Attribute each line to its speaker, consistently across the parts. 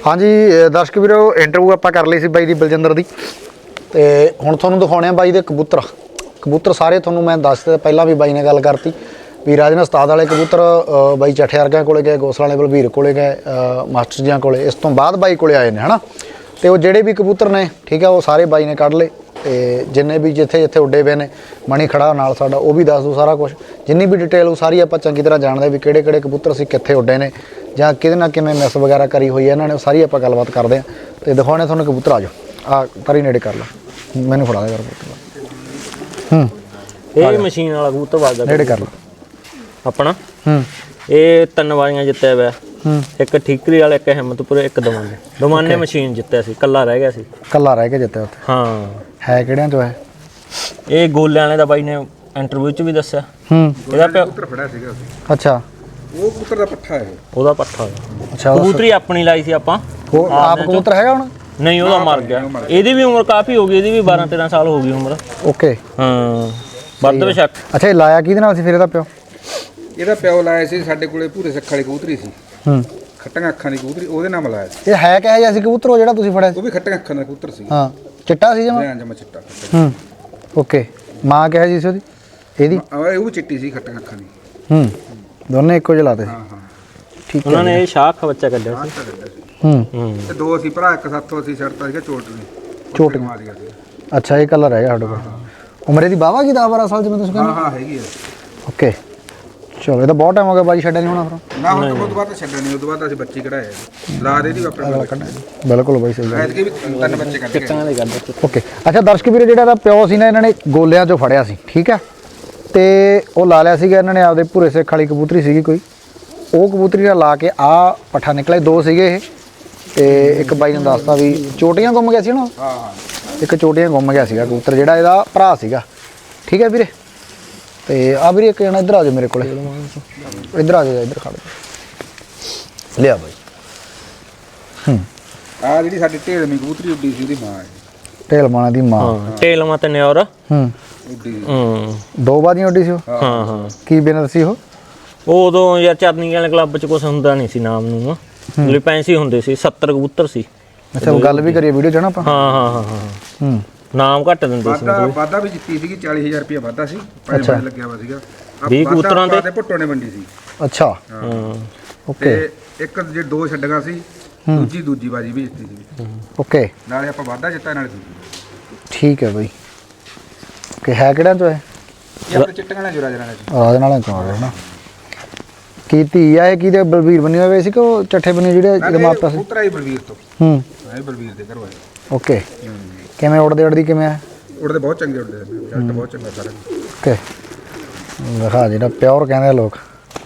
Speaker 1: हाँ जी दर्शक वीरो इंटरव्यू आप कर ली सी बाई दी बलजिंदर दी ते हुण तुहानूं दिखाउने बाई दे कबूतर कबूतर सारे तुहानूं मैं दस दिता पहलां भी बाई ने गल करती भी राजना उस्ताद वाले कबूतर बाई चट्ठे वर्गियां कोले गए गौसला वाले बलबीर कोले गए मास्टर जियां कोले इस तो बाद बाई कोले आए ने है ना तो जिहड़े भी कबूतर ने ठीक है वो सारे बाई ने कढ़ ले ते जिन्ने भी जिथे जिथे उड्डे पे ने मणी खड़ा नाल साडा वो भी दस दो सारा कुछ जिन्नी भी डिटेल वो सारी आपां चंगी तरह जानदे भी किहड़े किहड़े कबूतर सी कित्थे उड्डे ने जां किहदे नाल किवें मिस वगैरह करी हुई है इन्हां ने सारी आपां गलबात करदे आं ते दिखाउने तुहानूं कबूतर आ जाओ आ तरी नेड़े कर ला मैनूं फड़ा दे कर
Speaker 2: ਇਹ ਮਸ਼ੀਨ ਵਾਲਾ ਕਬੂਤਰ ਵੱਜਦਾ
Speaker 1: नेड़े कर ला
Speaker 2: ਆਪਣਾ ਇਹ ਤਿੰਨ ਵਾਰੀਆਂ ਜਿੱਤਿਆ ਹੋਇਆ ਇੱਕ ਠੀਕਰੀ ਵਾਲਾ ਇੱਕ ਹਿੰਮਤਪੁਰ ਇੱਕ ਦਮਾਨੇ ਮਸ਼ੀਨ ਜਿੱਤਿਆ ਸੀ ਕੱਲਾ ਰਹਿ ਗਿਆ ਸੀ
Speaker 1: कल्ला रह के जित्ते उत्थे
Speaker 2: ਹਾਂ
Speaker 1: है किहड़ियां चों है
Speaker 2: ਇਹ ਗੋਲਿਆਂ ਵਾਲੇ ਦਾ ਬਾਈ ਨੇ ਇੰਟਰਵਿਊ 'ਚ ਵੀ ਦੱਸਿਆ ਇਹਦਾ
Speaker 3: ਕਬੂਤਰ ਫੜਿਆ ਸੀਗਾ
Speaker 1: अच्छा
Speaker 3: ਉਹ ਕਬੂਤਰ ਦਾ ਪੱਠਾ ਹੈ
Speaker 2: ਉਹਦਾ ਪੱਠਾ
Speaker 1: अच्छा
Speaker 2: ਕਬੂਤਰੀ ਆਪਣੀ ਲਾਈ ਸੀ ਆਪਾਂ
Speaker 1: वो आप कबूतर हैगा हुण
Speaker 2: ਨਹੀਂ ਉਹਦਾ ਮਰ ਗਿਆ ਇਹਦੀ ਵੀ ਉਮਰ ਕਾਫੀ ਹੋ ਗਈ ਇਹਦੀ ਵੀ 12 13 ਸਾਲ ਹੋ ਗਈ ਉਮਰ
Speaker 1: ओके
Speaker 2: ਹਾਂ ਵੱਧ ਬੇਸ਼ੱਕ
Speaker 1: अच्छा ये लाया किहदे नाल सी फिर ਇਹਦਾ ਪਿਓ
Speaker 3: ਇਹਦਾ ਪਿਓ ਲਾਇਆ ਸੀ ਸਾਡੇ ਕੋਲੇ ਭੂਰੇ ਸੱਖਾਂ ਵਾਲੀ ਕਬੂਤਰੀ ਸੀ ਖੱਟੀਆਂ ਅੱਖਾਂ ਦੀ ਕਬੂਤਰੀ ਉਹਦੇ ਨਾਲ ਲਾਇਆ ਸੀ
Speaker 1: ਇਹ ਹੈ ਕਿਹੋ ਜਿਹਾ ਸੀ ਕਬੂਤਰ ਉਹ ਜਿਹੜਾ ਤੁਸੀਂ ਫੜਿਆ ਸੀ
Speaker 3: ਉਹ ਵੀ ਖੱਟੀਆਂ ਅੱਖਾਂ ਦਾ ਕਬੂਤਰ ਸੀ
Speaker 1: ਹਾਂ ਚਿੱਟਾ ਸੀ ਜਮਾ
Speaker 3: ਹਾਂ ਜਮਾ ਚਿੱਟਾ
Speaker 1: ਓਕੇ ਮਾਂ ਕਿਹੋ ਜਿਹੀ ਸੀ ਉਹਦੀ ਇਹਦੀ
Speaker 3: ਉਹ ਵੀ ਚਿੱਟੀ ਸੀ ਖੱਟੀਆਂ ਅੱਖਾਂ ਦੀ
Speaker 1: ਦੋਨੇ ਇੱਕੋ ਜਿਹੇ ਲਾਤੇ ਸੀ
Speaker 3: ਹਾਂ ਹਾਂ
Speaker 1: ਠੀਕ
Speaker 2: ਉਹਨਾਂ ਨੇ ਇਹ ਸ਼ਾਖ ਬੱਚਾ ਕੱਢਿਆ ਸੀ
Speaker 3: ਤੇ ਦੋ ਅਸੀਂ ਭਰਾ ਇੱਕ ਸਾਥੋਂ ਅਸੀਂ ਛੱਡਤਾ ਸੀਗਾ ਚੋਟ ਨੇ
Speaker 1: ਚੋਟ
Speaker 3: ਮਾਰ ਗਿਆ ਸੀ
Speaker 1: ਅੱਛਾ ਇਹ ਕਲਰ ਹੈਗਾ ਸਾਡੇ ਕੋਲ ਉਮਰੇ ਦੀ ਬਾਵਾ ਕੀ 10 12 ਸਾਲ ਜਿਵੇਂ ਤੁਸੀਂ
Speaker 3: ਹਾਂ
Speaker 1: ਕਹਿੰਦੇ
Speaker 3: ਹਾਂ ਹੈਗੀ ਆ
Speaker 1: ਓਕੇ ਚਲੋ ਇਹ ਤਾਂ ਬਹੁਤ ਟਾਈਮ ਹੋ ਗਿਆ ਬਾਜੀ ਛੱਡਿਆ ਨਹੀਂ ਹੋਣਾ ਫਿਰ
Speaker 3: ਨਾ ਹੁਣ ਤੋਂ ਬਾਅਦ ਛੱਡਿਆ ਨਹੀਂ ਉਦੋਂ ਬਾਅਦ ਅਸੀਂ ਬੱਚੀ ਕਢਾਏ ਲਾ ਦੇ ਦੀ ਆਪਣੇ
Speaker 1: ਬਿਲਕੁਲ ਬਾਈ ਸਹੀ ਗੱਲ
Speaker 3: ਐਤਕੀ ਵੀ ਤਿੰਨ ਬੱਚੇ ਕੱਢ ਗਏ
Speaker 1: ਓਕੇ ਅੱਛਾ ਦਰਸ਼ਕ ਵੀਰੇ ਜਿਹੜਾ ਇਹਦਾ ਪਿਓ ਸੀ ਨਾ ਇਹਨਾਂ ਨੇ ਗੋਲਿਆਂ 'ਚੋਂ ਫੜਿਆ ਸੀ ਠੀਕ ਹੈ ਤੇ ਉਹ ਲਾ ਲਿਆ ਸੀਗਾ ਇਹਨਾਂ ਨੇ ਆਪਦੇ ਭੂਰੇ ਸਿੱਖ ਵਾਲੀ ਕਬੂਤਰੀ ਸੀਗੀ ਕੋਈ ਉਹ ਕਬੂਤਰੀ ਨਾਲ ਲਾ ਕੇ ਆ ਪੱਠਾ ਨਿਕਲੇ ਦੋ ਸੀਗੇ ਇਹ ਤੇ ਇੱਕ ਬਾਈ ਨੇ ਦੱਸਤਾ ਵੀ ਚੋਟੀਆਂ ਗੁੰਮ ਗਿਆ ਸੀ ਨਾ
Speaker 3: ਹਾਂ ਹਾਂ
Speaker 1: ਇੱਕ ਚੋਟੀਆਂ ਗੁੰਮ ਗਿਆ ਸੀਗਾ ਕਬੂਤਰ ਜਿਹੜਾ ਇਹਦਾ ਭਰਾ ਸੀਗਾ ਠੀਕ ਹੈ ਵੀਰੇ ਤੇ ਆ ਵੀਰੇ ਇੱਕ ਜਣਾ ਇੱਧਰ ਆ ਜਾਓ ਮੇਰੇ ਕੋਲੇ ਇੱਧਰ ਆ ਜਾਓ ਇੱਧਰ ਖੜ ਜਾ ਲਿਆ ਬਾਈ
Speaker 3: ਆ ਜਿਹੜੀ ਸਾਡੀ ਢੇਲਵੀਂ ਕਬੂਤਰੀ ਉੱਡੀ ਸੀ ਉਹਦੀ ਮਾਂ ਹੈ
Speaker 1: ਢੇਲ ਮਾਣਾ ਦੀ ਮਾਂ
Speaker 2: ਹਾਂ ਟੇਲਮਾ ਤੇ ਨਿਓਰ
Speaker 3: ਉੱਡੀ
Speaker 1: ਦੋ ਬਾਦੀਆਂ ਉੱਡੀ ਸੀ ਉਹ
Speaker 2: ਹਾਂ ਹਾਂ
Speaker 1: ਕੀ ਬਿਨਰ ਸੀ ਉਹ
Speaker 2: ਉਦੋਂ ਯਾਰ ਚਰਨੀ ਵਾਲੇ ਕਲੱਬ 'ਚ ਕੁਝ ਹੁੰਦਾ ਨਹੀਂ ਸੀ ਨਾਮ ਨੂੰ ਲਿਪੈਂਸੀ ਹੁੰਦੇ ਸੀ 70 ਕਬੂਤਰ ਸੀ
Speaker 1: ਅੱਛਾ ਉਹ ਗੱਲ ਵੀ ਕਰੀਏ ਵੀਡੀਓ 'ਚ ਨਾ ਆਪਾਂ
Speaker 2: ਹਾਂ ਹਾਂ ਹਾਂ ਹਾਂ ਨਾਮ ਘੱਟ ਦਿੰਦੇ ਸੀ
Speaker 3: ਵਾਧਾ ਵੀ ਜਿੱਤੀ ਸੀਗੀ 40000 ਰੁਪਏ ਵਾਧਾ ਸੀ ਪੰਜ ਲੱਗਿਆ ਵਾ ਸੀਗਾ
Speaker 2: 20 ਕਬੂਤਰਾਂ
Speaker 3: ਤੇ ਭੁੱਟੋ ਨੇ ਵੰਡੀ ਸੀ
Speaker 1: ਅੱਛਾ
Speaker 2: ਹਾਂ
Speaker 1: ਓਕੇ
Speaker 3: ਤੇ ਇੱਕ ਜੇ ਦੋ ਛੱਡੀਆਂ ਸੀ ਦੂਜੀ ਬਾਜੀ ਵੀ ਜਿੱਤੀ ਸੀ
Speaker 1: ਓਕੇ
Speaker 3: ਨਾਲੇ ਆਪਾਂ ਵਾਧਾ ਜਿੱਤਾ ਨਾਲੇ ਦੂਜੀ
Speaker 1: ਠੀਕ ਹੈ ਬਾਈ ਓਕੇ ਹੈ ਕਿਹੜਾ ਤੋਂ ਹੈ
Speaker 3: ਇਹ ਆਪਣੇ ਚਿੱਟੀਆਂ ਵਾਲੇ ਜੁਰਾ ਜਰਾਂ ਚ
Speaker 1: ਰਾਜ ਨਾਲ ਚੋਂ ਹੈ ਨਾ ਕੀ ਧੀ ਆ ਇਹ ਕਿਹਦੇ ਬਲਬੀਰ ਬਣੀ ਹੋਏ ਸੀ ਕਿ ਉਹ ਚੱਠੇ ਬਣੀ ਜਿਹੜੇ ਜਮਾਤਾ ਸੀ
Speaker 3: ਕਬੂਤਰ ਆਈ ਬਲਵੀਰ ਤੋਂ ਆਈ ਬਲਵੀਰ ਦੇ ਘਰੋਂ ਆਏ
Speaker 1: ਓਕੇ ਕਿਵੇਂ ਉੜਦੀ ਕਿਵੇਂ ਆ
Speaker 3: ਉੜਦੇ ਬਹੁਤ ਚੰਗੇ ਉੜਦੇ ਨੇ ਜੱਟ ਬਹੁਤ ਚੰਗਾ ਸਾਰਾ
Speaker 1: ਓਕੇ ਦਿਖਾ ਜਿਹੜਾ ਪਿਓਰ ਕਹਿੰਦੇ ਆ ਲੋਕ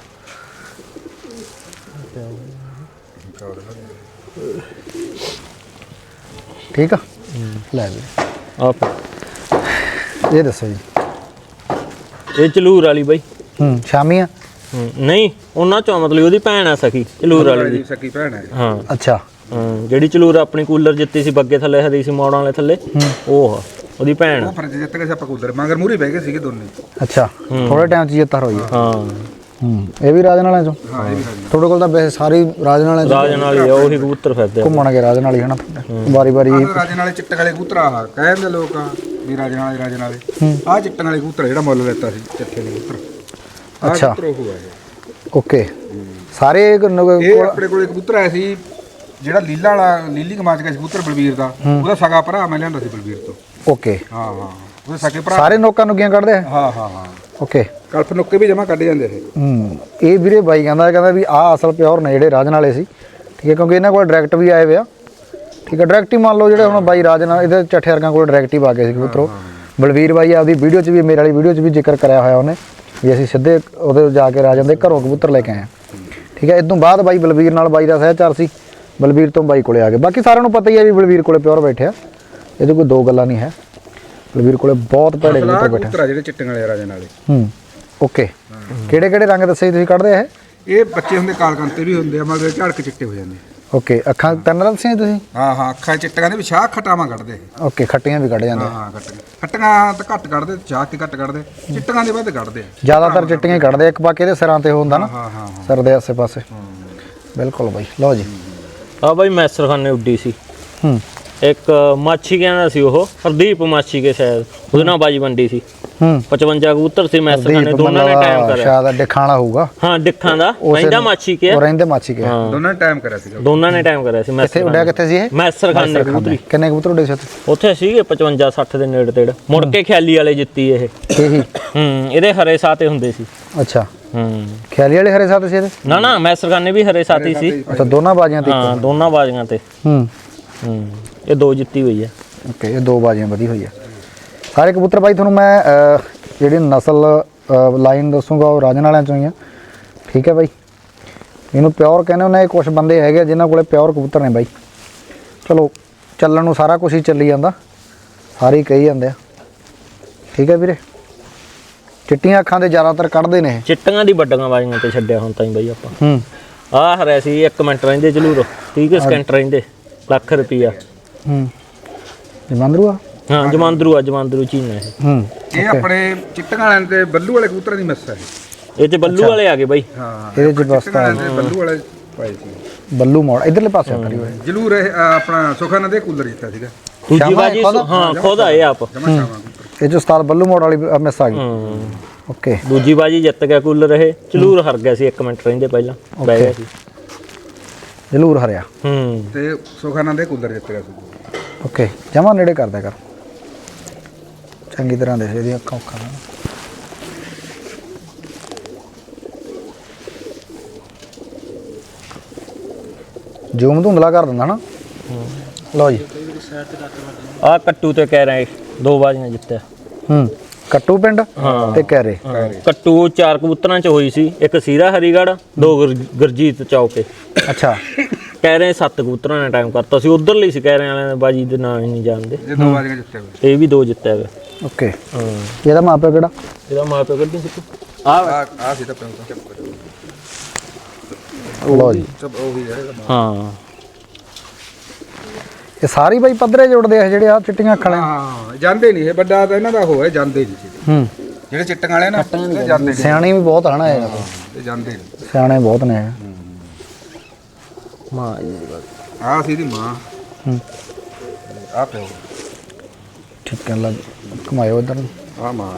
Speaker 1: ਠੀਕ ਆ ਲੈ ਵੀ
Speaker 2: ਆਪ
Speaker 1: ਇਹ ਦੱਸੋ ਜੀ
Speaker 2: ਇਹ ਚਲੂਰ ਵਾਲੀ ਬਾਈ
Speaker 1: ਸ਼ਾਮੀ ਆ
Speaker 2: ਨਹੀਂ ਉਹਨਾਂ ਚੋਂ ਮਤਲਬ ਉਹਦੀ ਭੈਣ ਆ ਸਖੀ ਚਲੂਰ ਵਾਲੀ ਦੀ
Speaker 3: ਸਕੀ ਭੈਣ ਹੈ
Speaker 2: ਹਾਂ
Speaker 1: ਅੱਛਾ
Speaker 2: ਜਿਹੜੀ ਚਲੂਰ ਆਪਣੀ ਕੂਲਰ ਜਿੱਤੀ ਸੀ ਬੱਗੇ ਥੱਲੇ ਹਦੀ ਸੀ ਮੋੜਾਂ ਵਾਲੇ ਥੱਲੇ ਉਹ ਉਹਦੀ ਭੈਣ
Speaker 3: ਉਹ ਫਰਜ਼ ਜਿੱਤ ਗਏ ਸੀ ਆਪਾਂ ਕੂਲਰ ਮਗਰ ਮੂਰੀ ਬਹਿ ਗਏ ਸੀਗੇ ਦੋਨੇ
Speaker 1: ਅੱਛਾ ਥੋੜੇ ਟਾਈਮ 'ਚ ਜਿੱਤ ਹੋਈ
Speaker 2: ਹਾਂ
Speaker 1: ਇਹ ਵੀ ਰਾਜਨ ਵਾਲਿਆਂ ਚੋਂ
Speaker 3: ਹਾਂ ਇਹ ਵੀ
Speaker 1: ਤੁਹਾਡੇ ਕੋਲ ਤਾਂ ਵੈਸੇ ਸਾਰੀ ਰਾਜਨ ਵਾਲਿਆਂ ਚੋਂ
Speaker 2: ਰਾਜਨ ਵਾਲੀ ਆ ਉਹੀ ਕਬੂਤਰ ਫਿਰਦੇ
Speaker 1: ਘੁੰਮਣਗੇ ਰਾਜਨ ਵਾਲੀ ਹਨਾ ਵਾਰੀ ਵਾਰੀ
Speaker 3: ਰਾਜੇ ਨਾਲੇ ਚਿੱਟੇ ਵਾਲੇ ਕਬੂਤਰ ਆ ਕਹਿੰਦੇ ਲੋਕ ਆ ਵੀ ਰਾਜੇ ਨਾਲੇ ਆ ਚਿੱਟੇ ਵਾਲੇ ਕਬੂਤਰ ਜਿਹੜਾ ਮੁੱਲ ਲੈਤਾ ਸੀ ਚੱਠੇ ਦੇ ਕਬੂਤਰ
Speaker 1: ਅੱਛਾ
Speaker 3: ਕਬੂਤਰ ਉਹ ਹੈ
Speaker 1: ਓਕੇ ਸਾਰੇ
Speaker 3: ਇਹ ਆਪਣੇ ਕੋਲੇ ਕਬੂਤਰ ਆਇਆ ਸੀ ਜਿਹੜਾ ਲੀਲਾ ਵਾਲਾ ਲੀਲੀ ਕਮਾਚ ਗਿਆ ਸੀ ਕਬੂਤਰ ਬਲਵੀਰ ਦਾ ਉਹਦਾ ਸਗਾ ਭਰਾ ਮੈਂ ਲਿਆਂਦਾ ਸੀ ਬਲਵੀਰ ਤੋਂ
Speaker 1: ਓਕੇ
Speaker 3: ਹਾਂ ਹਾਂ ਉਹਦੇ ਸਕੇ ਭਰਾ
Speaker 1: ਸਾਰੇ ਨੋਕਾਂ ਨੁਕੀਆਂ ਕੱਢਦੇ ਆ
Speaker 3: ਹਾਂ ਹਾਂ ਹਾਂ
Speaker 1: ਓਕੇ
Speaker 3: ਕਲਪ ਨੁੱਕੇ ਵੀ ਜਮਾ ਕੱਢ ਜਾਂਦੇ ਇਹ
Speaker 1: ਇਹ ਵੀਰੇ ਬਾਈ ਕਹਿੰਦਾ ਵੀ ਆਹ ਅਸਲ ਪਿਓਰ ਨੇ ਜਿਹੜੇ ਰਾਜਨ ਵਾਲੇ ਸੀ ਠੀਕ ਹੈ ਕਿਉਂਕਿ ਇਹਨਾਂ ਕੋਲ ਡਾਇਰੈਕਟ ਵੀ ਆਏ ਵੇ ਆ ਠੀਕ ਹੈ ਡਾਇਰੈਕਟ ਹੀ ਮੰਨ ਲਓ ਜਿਹੜੇ ਹੁਣ ਬਾਈ ਰਾਜਨ ਇਹਦੇ ਚੱਠੇ ਵਰਗਾਂ ਕੋਲ ਡਾਇਰੈਕਟ ਹੀ ਆ ਗਏ ਸੀ ਕਬੂਤਰੋ ਬਲਵੀਰ ਬਾਈ ਆਪਦੀ ਵੀਡੀਓ 'ਚ ਵੀ ਮੇਰੇ ਵਾਲੀ ਵੀਡੀਓ 'ਚ ਵੀ ਜ਼ਿਕਰ ਕਰਿਆ ਹੋਇਆ ਉਹਨੇ ਵੀ ਅਸੀਂ ਸਿੱਧੇ ਉਹਦੇ ਜਾ ਕੇ ਰਾਜਨ ਦੇ ਘਰੋਂ ਕਬੂਤਰ ਲੈ ਕੇ ਆਏ ਠੀਕ ਹੈ ਇਸ ਤੋਂ ਬਾਅਦ ਬਾਈ ਬਲਵੀਰ ਨਾਲ ਬਾਈ ਦਾ ਸਹਿਚਾਰ ਸੀ ਬਲਵੀਰ ਤੋਂ ਬਾਈ ਕੋਲੇ ਆ ਗਏ ਬਾਕੀ ਸਾਰਿਆਂ ਨੂੰ ਪਤਾ ਹੀ ਹੈ ਵੀ ਬਲਵੀਰ ਕੋਲੇ ਪਿਓਰ ਬੈਠਿਆ ਇਹਦੇ ਕੋਈ ਦੋ ਗੱਲਾਂ ਨਹੀਂ ਹੈ ਬਲਵੀਰ ਕੋਲੇ ਬਹੁਤ ਭੈੜੇ ਕਬੂਤਰ ਬੈਠੇ
Speaker 3: ਕਬੂਤਰ ਜਿਹੜੇ ਚਿੱਟੇ ਵਾਲੇ ਰਾਜੇ ਨਾਲੇ
Speaker 1: ਓਕੇ ਕਿਹੜੇ ਕਿਹੜੇ ਰੰਗ ਦੱਸੇ ਤੁਸੀਂ ਕੱਢਦੇ ਆ
Speaker 3: ਇਹ ਬੱਚੇ ਹੁੰਦੇ ਕਾਲਕੰਤੇ ਵੀ ਹੁੰਦੇ ਆ ਮਗਰ ਝੜਕ ਚਿੱਟੇ ਹੋ ਜਾਂਦੇ
Speaker 1: ਓਕੇ ਅੱਖਾਂ ਤਿੰਨ ਦੱਸੀਆਂ ਤੁਸੀਂ
Speaker 3: ਹਾਂ ਹਾਂ ਅੱਖਾਂ ਚਿੱਟੀਆਂ ਦੇ ਵਿਸ਼ਾ ਖਟਾਵਾਂ ਕੱਢਦੇ
Speaker 1: ਓਕੇ ਖੱਟੀਆਂ ਵੀ ਕੱਢ ਜਾਂਦੇ
Speaker 3: ਹਾਂ ਖੱਟੀਆਂ ਤਾਂ ਘੱਟ ਕੱਢਦੇ ਚਾਹ ਤੇ ਘੱਟ ਕੱਢਦੇ ਚਿੱਟੀਆਂ ਦੇ ਵੱਧ ਕੱਢਦੇ
Speaker 1: ਜ਼ਿਆਦਾਤਰ ਚਿੱਟੀਆਂ ਹੀ ਕੱਢਦੇ ਇੱਕ ਬਾਕੀ ਇਹਦੇ ਸਿਰਾਂ ਤੇ ਹੁੰਦਾ ਨਾ
Speaker 3: ਹਾਂ ਹਾਂ
Speaker 1: ਸਿਰ ਦੇ ਆਸੇ ਪਾਸੇ ਬਿਲਕੁਲ ਬਾਈ ਲਓ ਜੀ
Speaker 2: ਆ ਬਾਈ ਮੈਸਰਖਾਨੇ ਉੱਡੀ ਸੀ।
Speaker 1: ਹੂੰ
Speaker 2: ਇੱਕ ਮਾਛੀ ਕਹਿੰਦਾ ਸੀ ਉਹ ਹਰਦੀਪ ਮਾਛੀ ਕੇ ਸ਼ਾਇਦ ਉਹਦੇ ਨਾਲ ਬਾਜੀ ਵੰਡੀ ਸੀ।
Speaker 1: ਹੂੰ
Speaker 2: 55 ਕਬੂਤਰ ਸੀ ਮੈਸਰਖਾਨੇ, ਦੋਨਾਂ ਨੇ ਟਾਈਮ ਕਰਿਆ।
Speaker 1: ਸ਼ਾਇਦ ਡਿੱਖਾਂ ਵਾਲਾ ਹੋਊਗਾ।
Speaker 2: ਹਾਂ ਡਿੱਖਾਂ ਦਾ ਰਹਿੰਦਾ ਮਾਛੀ ਕੇ,
Speaker 1: ਉਹ ਰਹਿੰਦੇ ਮਾਛੀ ਕੇ।
Speaker 3: ਦੋਨਾਂ ਨੇ ਟਾਈਮ ਕਰਿਆ ਸੀਗਾ।
Speaker 2: ਦੋਨਾਂ ਨੇ ਟਾਈਮ ਕਰਿਆ ਸੀ।
Speaker 1: ਕਿੱਥੇ ਉੱਡਿਆ, ਕਿੱਥੇ ਸੀ ਇਹ?
Speaker 2: ਮੈਸਰਖਾਨੇ ਕਬੂਤਰੀ।
Speaker 1: ਕਿੰਨੇ ਕਬੂਤਰ ਉੱਡੇ ਸੀ ਉੱਥੇ?
Speaker 2: ਉੱਥੇ ਸੀਗੇ 55 60 ਦੇ ਨੇੜੇ ਤੇੜ। ਮੁੜ ਕੇ ਖਿਆਲੀ ਵਾਲੇ ਜਿੱਤੀ ਇਹ।
Speaker 1: ਇਹੀ?
Speaker 2: ਇਹਦੇ ਹਰੇ ਸਾਤੇ ਹੁੰਦੇ ਸੀ।
Speaker 1: ਅੱਛਾ ਖਿਆਲੀ ਵਾਲੇ ਹਰੇ ਸਾਥ ਸੀ ਇਹਦੇ?
Speaker 2: ਨਾ ਨਾ ਮੈਸਰਖਾਨੇ ਵੀ ਹਰੇ ਸਾਥੀ ਸੀ।
Speaker 1: ਅੱਛਾ ਦੋਨਾਂ ਬਾਜ਼ੀਆਂ ਤੇ?
Speaker 2: ਹਾਂ ਦੋਨਾਂ ਬਾਜ਼ੀਆਂ ਤੇ। ਇਹ 2 ਜਿੱਤੀ ਹੋਈ ਹੈ।
Speaker 1: ਓਕੇ ਇਹ 2 ਬਾਜ਼ੀਆਂ ਵਧੀ ਹੋਈ ਆ। ਸਾਰੇ ਕਬੂਤਰ ਬਾਈ ਤੁਹਾਨੂੰ ਮੈਂ ਜਿਹੜੀ ਨਸਲ ਲਾਈਨ ਦੱਸੂਗਾ ਉਹ ਰਾਜਨ ਵਾਲਿਆਂ ਚੋਂ ਹੀ ਆ। ਠੀਕ ਹੈ ਬਾਈ, ਇਹਨੂੰ ਪਿਓਰ ਕਹਿੰਦੇ ਹੁੰਦੇ। ਕੁਝ ਬੰਦੇ ਹੈਗੇ ਜਿਨ੍ਹਾਂ ਕੋਲੇ ਪਿਓਰ ਕਬੂਤਰ ਨੇ ਬਾਈ। ਚਲੋ ਚੱਲਣ ਨੂੰ ਸਾਰਾ ਕੁਝ ਹੀ ਚੱਲੀ ਜਾਂਦਾ, ਸਾਰੇ ਹੀ ਕਹੀ ਜਾਂਦੇ ਆ। ਠੀਕ ਹੈ ਵੀਰੇ, ਚਿੱਟੀਆਂ ਅੱਖਾਂ ਦੇ ਜ਼ਿਆਦਾਤਰ ਕੱਢਦੇ ਨੇ ਇਹ।
Speaker 2: ਚਿੱਟੀਆਂ ਦੀ ਵੱਡੀਆਂ ਬਾਜ਼ੀਆਂ ਤੇ ਛੱਡਿਆ ਹੁਣ ਤਾਂ ਬਾਈ ਆਪਾਂ। ਆਹ ਹਰਿਆ ਸੀ 1 ਮਿੰਟ ਰਹਿੰਦੇ ਜਲੂਰ 30 ਸਕਿੰਟ ਰਹਿੰਦੇ, ਲੱਖ ਰੁਪਈਆ।
Speaker 1: ਜਮਾਂਦਰੂ ਆ?
Speaker 2: ਹਾਂ ਜਮਾਂਦਰੂ ਚੀਨਾ ਇਹ।
Speaker 3: ਇਹ ਆਪਣੇ ਚਿੱਟੀਆਂ ਵਾਲਿਆਂ ਤੇ ਬੱਲੂ ਵਾਲੇ ਕਬੂਤਰਾਂ ਦੀ ਮਿਸ ਹੈ
Speaker 2: ਇਹ ਚ ਬੱਲੂ ਵਾਲੇ ਆ ਗਏ ਬਾਈ।
Speaker 3: ਹਾਂ
Speaker 1: ਇਹਦੇ ਚ ਬਸ ਤਾਂ
Speaker 3: ਬੱਲੂ ਵਾਲੇ ਪਾਏ ਸੀ।
Speaker 1: ਬੱਲੂ ਮੋੜ ਇਧਰਲੇ ਪਾਸੇ ਕਰੀ ਹੋਏ।
Speaker 3: ਜਲੂਰ ਆਪਣਾ ਸੁਖਨ ਦੇ ਕੂਲਰ ਜਿੱਤਾ ਸੀਗਾ।
Speaker 2: ਦੂਜੀ ਬਾਜੀ ਹਾਂ ਖੁਦ ਆਏ ਆਪ।
Speaker 1: ਇਹ ਚ ਉਸਤਾਦ ਬੱਲੂ ਮੋੜ ਵਾਲੀ ਮਿਸ ਆ ਗਈ। ਓਕੇ
Speaker 2: ਦੂਜੀ ਬਾਜੀ ਜਿੱਤ ਗਿਆ ਕੂਲਰ ਇਹ। ਚਲੂਰ ਹਰ ਗਿਆ ਸੀ 1 ਮਿੰਟ ਰਹਿੰਦੇ ਪਹਿਲਾਂ ਬਹਿ ਗਿਆ ਸੀ।
Speaker 1: ਜਲੂਰ ਹਰਿਆ
Speaker 3: ਤੇ ਸੁਖਨ ਦੇ ਕੂਲਰ ਜਿੱਤ ਗਿਆ ਸੀ।
Speaker 1: ਓਕੇ ਜਮਾ ਨੇੜੇ ਕਰਦਾ ਕਰ, ਚੰਗੀ ਤਰ੍ਹਾਂ ਦੇਖ ਇਹਦੀਆਂ ਅੱਖਾਂ ਉੱਖਾਂ। ਜ਼ੂਮ ਧੁੰਦਲਾ ਕਰ ਦਿੰਦਾ ਨਾ। ਲਓ ਜੀ
Speaker 2: ਆ ਕੱਟੂ ਤੇ ਕਹਿ ਰਹੇ 2 ਬਾਜ਼ੀਆਂ ਜਿੱਤਿਆ।
Speaker 1: ਕੱਟੂ ਪਿੰਡ ਤੇ ਕਹਿਰੇ।
Speaker 2: ਕੱਟੂ 4 ਕਬੂਤਰਾਂ ਚ ਹੋਈ ਸੀ, ਇੱਕ ਸੀਰਾ ਹਰੀਗੜ੍ਹ, 2 ਗੁਰਜੀਤ ਚੌਕੇ।
Speaker 1: ਅੱਛਾ
Speaker 2: ਕਹਿ ਰਹੇ 7 ਕਬੂਤਰਾਂ ਨੇ ਟਾਈਮ ਕਰਤਾ ਸੀ। ਉਧਰਲੀ ਸੀ ਕਹਿ ਰਹੇ ਵਾਲਿਆਂ ਨੇ ਬਾਜੀ ਦੇ ਨਾਂ ਹੀ ਨਹੀਂ ਜਾਣਦੇ।
Speaker 3: ਇਹ 2 ਬਾਜ਼ੀਆਂ ਜਿੱਤੇ ਹੋਏ।
Speaker 2: ਇਹ ਵੀ 2 ਜਿੱਤਿਆ ਹੋਇਆ।
Speaker 1: ਓਕੇ ਇਹਦਾ ਮਾਪਿਓ ਕਿਹੜਾ?
Speaker 2: ਇਹਦਾ ਮਾਪਿਓ ਕੱਢੀ ਸੀ
Speaker 3: ਆ ਸੀ ਤਾਂ ਚੁੱਪ ਕਰੋ।
Speaker 1: ਲਓ ਜੀ
Speaker 3: ਉਹੀ ਹੈ।
Speaker 2: ਹਾਂ
Speaker 1: ਇਹ ਸਾਰੇ ਬਾਈ ਪੱਧਰੇ ਜੁੜਦੇ ਆ ਜਿਹੜੇ ਆ ਚਿੱਟੀਆਂ ਅੱਖਾਂ ਵਾਲੇ।
Speaker 3: ਹਾਂ ਜਾਂਦੇ ਨਹੀਂ ਇਹ ਵੱਡਾ ਤਾਂ ਇਹਨਾਂ ਦਾ ਹੋਇਆ ਜਾਂਦੇ ਨਹੀਂ ਸੀ। ਜਿਹੜੇ ਚਿੱਟੀਆਂ ਵਾਲੇ ਨਾ ਇਹ ਜਾਂਦੇ ਨਹੀਂ।
Speaker 1: ਸਿਆਣੇ ਵੀ ਬਹੁਤ ਹਨਾ ਇਹ
Speaker 3: ਜਾਂਦੇ ਨਹੀਂ।
Speaker 1: ਸਿਆਣੇ ਬਹੁਤ ਨੇ।
Speaker 2: ਮਾਂ
Speaker 3: ਆ ਸੀ ਦੀ ਮਾਂ। ਆ ਪਿਓ
Speaker 1: ਠੀਕ ਹੈ। ਲੱਗ ਘੁਮਾਇਓ ਇੱਧਰ ਨੂੰ।
Speaker 3: ਆ ਮਾਂ।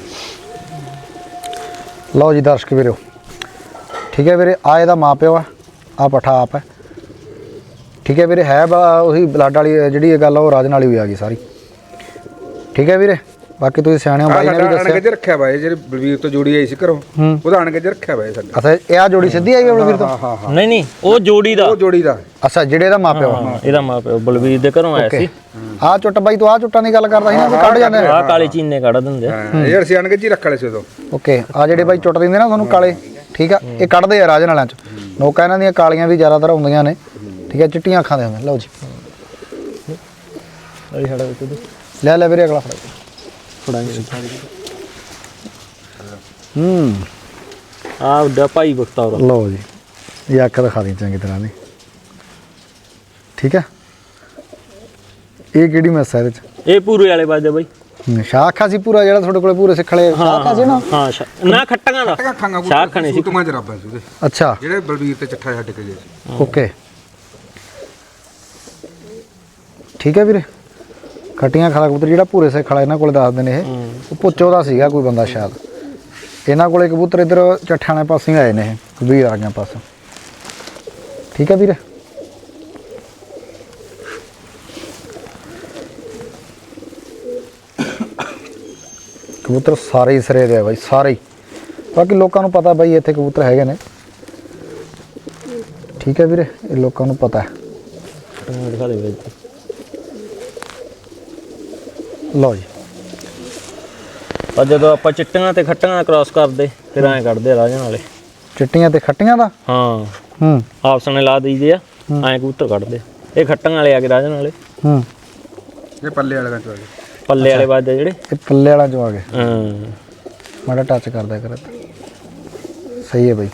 Speaker 1: ਲਓ ਜੀ ਦਰਸ਼ਕ ਵੀਰੋ, ਠੀਕ ਹੈ ਵੀਰੇ, ਆ ਇਹਦਾ ਮਾਪਿਓ ਆ, ਆ ਪੱਠਾ ਆਪ ਹੈ। ਠੀਕ ਹੈ ਵੀਰੇ, ਹੈ ਉਹੀ ਬਲੱਡ ਵਾਲੀ ਜਿਹੜੀ ਇਹ ਗੱਲ ਆ ਉਹ ਰਾਜਨ ਵਾਲੀ ਵੀ ਆ ਗਈ ਸਾਰੀ। ਠੀਕ ਹੈ ਵੀਰੇ, ਬਾਕੀ ਤੁਸੀਂ ਸਿਆਣੇ ਹੋ ਬਾਈ ਨੇ ਵੀ ਦੱਸਿਆ।
Speaker 3: ਅਣਗੇ ਰੱਖਿਆ ਬਾਈ ਜਿਹੜੀ ਬਲਵੀਰ ਤੋਂ ਜੋੜੀ ਆਈ ਸੀ ਘਰੋਂ, ਉਹਦਾ ਅਣਗੇ ਰੱਖਿਆ ਬਾਈ ਸਾਡਾ।
Speaker 1: ਅੱਛਾ ਇਹ ਆ ਜੋੜੀ ਸਿੱਧੀ ਆਈ ਬਲਵੀਰ ਤੋਂ?
Speaker 3: ਹਾਂ ਹਾਂ
Speaker 2: ਨਹੀਂ ਉਹ ਜੋੜੀ ਦਾ।
Speaker 3: ਉਹ ਜੋੜੀ ਦਾ।
Speaker 1: ਅੱਛਾ ਜਿਹੜੇ ਇਹਦਾ ਮਾਪਿਓ ਆ।
Speaker 2: ਇਹਦਾ ਮਾਪਿਓ ਬਲਵੀਰ ਦੇ ਘਰੋਂ ਆਇਆ ਸੀ।
Speaker 1: ਆ ਚੁੱਟ ਬਾਈ ਤੂੰ ਆ ਚੁੱਟਾਂ ਦੀ ਗੱਲ ਕਰਦਾ ਸੀ ਨਾ, ਕੱਢ ਜਾਂਦੇ
Speaker 2: ਆ ਕਾਲੇ ਚੀਨੇ ਕੱਢ ਦਿੰਦੇ।
Speaker 3: ਇਹ ਅਸੀਂ ਅਣਗੇ ਜੀ ਰੱਖ ਲਏ ਸੀ ਉਦੋਂ।
Speaker 1: ਓਕੇ ਆ ਜਿਹੜੇ ਬਾਈ ਚੁੱਟ ਦਿੰਦੇ ਨਾ ਤੁਹਾਨੂੰ ਕਾਲੇ, ਠੀਕ ਆ, ਇਹ ਕੱਢਦੇ ਆ ਰਾਜਨ ਵਾਲਿਆਂ ਚ। ਨੋਕਾਂ ਇਹਨਾਂ ਦੀਆਂ ਕਾਲੀਆਂ ਵੀ ਜ਼ਿਆਦਾਤਰ ਹੁੰਦੀਆਂ ਨੇ। ਠੀਕ ਹੈ, ਚਿੱਟੀਆਂ ਅੱਖਾਂ ਦੇ ਹੁੰਦੇ। ਲਓ ਜੀ ਲੈ ਲੈ ਵੀਰੇ ਅਗਲਾ ਫੜਾ।
Speaker 2: ਆ ਉੱਡਾ ਭਾਈ ਬਖਤੌਰ।
Speaker 1: ਲਓ ਜੀ ਇਹ ਅੱਖ ਦਿਖਾ ਦੀ ਚੰਗੀ ਤਰ੍ਹਾਂ ਦੀ। ਠੀਕ ਹੈ, ਇਹ ਕਿਹੜੀ ਮੈਸ ਹੈ ਇਹਦੇ ਚ?
Speaker 2: ਇਹ ਪੂਰੇ ਵਾਲੇ ਬਾਜੇ ਬਾਈ।
Speaker 1: ਸ਼ਾਖਾ ਸੀ ਪੂਰਾ ਜਿਹੜਾ ਤੁਹਾਡੇ ਕੋਲੇ ਪੂਰੇ ਸਿੱਖਲੇ ਸ਼ਾਖਾ ਸੀ ਨਾ?
Speaker 2: ਹਾਂ ਨਾ ਖੱਟਾਂ ਦਾ ਸ਼ਾਖ ਖਾਣੇ ਸੀ।
Speaker 3: ਤੁਮਾਂ ਜਰਾਬਾਂ ਸੀ ਉਹਦੇ,
Speaker 1: ਅੱਛਾ
Speaker 3: ਜਿਹੜੇ ਬਲਵੀਰ ਤੇ ਚੱਠਾ ਛੱਡ ਕੇ ਗਏ ਸੀ।
Speaker 1: ਓਕੇ ਠੀਕ ਹੈ ਵੀਰੇ, ਖੱਟੀਆਂ ਖਾਲਾ ਕਬੂਤਰ ਜਿਹੜਾ ਪੂਰੇ ਸਿੱਖ ਵਾਲਾ ਇਹਨਾਂ ਕੋਲੇ ਦੱਸਦੇ ਨੇ ਇਹ, ਉਹ ਪੁੱਚੋ ਦਾ ਸੀਗਾ ਕੋਈ ਬੰਦਾ ਸ਼ਾਇਦ। ਇਹਨਾਂ ਕੋਲੇ ਕਬੂਤਰ ਇੱਧਰ ਚੱਠਾਂ ਵਾਲੇ ਪਾਸੇ ਆਏ ਨੇ ਇਹ, ਵੀਰ ਆ ਗਿਆ ਪਾਸੇ। ਠੀਕ ਹੈ ਵੀਰੇ, ਕਬੂਤਰ ਸਾਰੇ ਹੀ ਸਿਰੇ ਦੇ ਆ ਬਾਈ, ਸਾਰੇ ਹੀ। ਬਾਕੀ ਲੋਕਾਂ ਨੂੰ ਪਤਾ ਬਾਈ ਇੱਥੇ ਕਬੂਤਰ ਹੈਗੇ ਨੇ। ਠੀਕ ਹੈ ਵੀਰੇ, ਇਹ ਲੋਕਾਂ ਨੂੰ ਪਤਾ ਹੈ।
Speaker 2: ਦਿਖਾ ਦੇ ਬਾਈ।
Speaker 1: ਲਓ ਜੀ
Speaker 2: ਪਰ ਜਦੋਂ ਆਪਾਂ ਚਿੱਟੀਆਂ ਤੇ ਖੱਟੀਆਂ ਕ੍ਰਾਸ ਕਰਦੇ ਫਿਰ ਐਂ ਕੱਢਦੇ ਆ ਰਾਜਨ ਵਾਲੇ।
Speaker 1: ਚਿੱਟੀਆਂ ਤੇ ਖੱਟੀਆਂ ਦਾ?
Speaker 2: ਹਾਂ ਆਪਸ ਨੇ ਲਾ ਦਈਦੇ ਆ, ਐਂ ਕਬੂਤਰ ਕੱਢਦੇ। ਇਹ ਖੱਟੀਆਂ ਵਾਲੇ ਆ ਗਏ ਰਾਜਨ ਵਾਲੇ।
Speaker 3: ਇਹ ਪੱਲੇ ਵਾਲੇ ਚ ਆ ਗਏ।
Speaker 2: ਪੱਲੇ ਵਾਲੇ ਬਾਜੇ ਜਿਹੜੇ
Speaker 1: ਇਹ ਪੱਲੇ ਵਾਲਾ ਚੋਂ ਆ ਗਏ।
Speaker 2: ਹਾਂ
Speaker 1: ਮਾੜਾ ਟੱਚ ਕਰਦਾ ਕਰ। ਸਹੀ ਹੈ ਬਾਈ।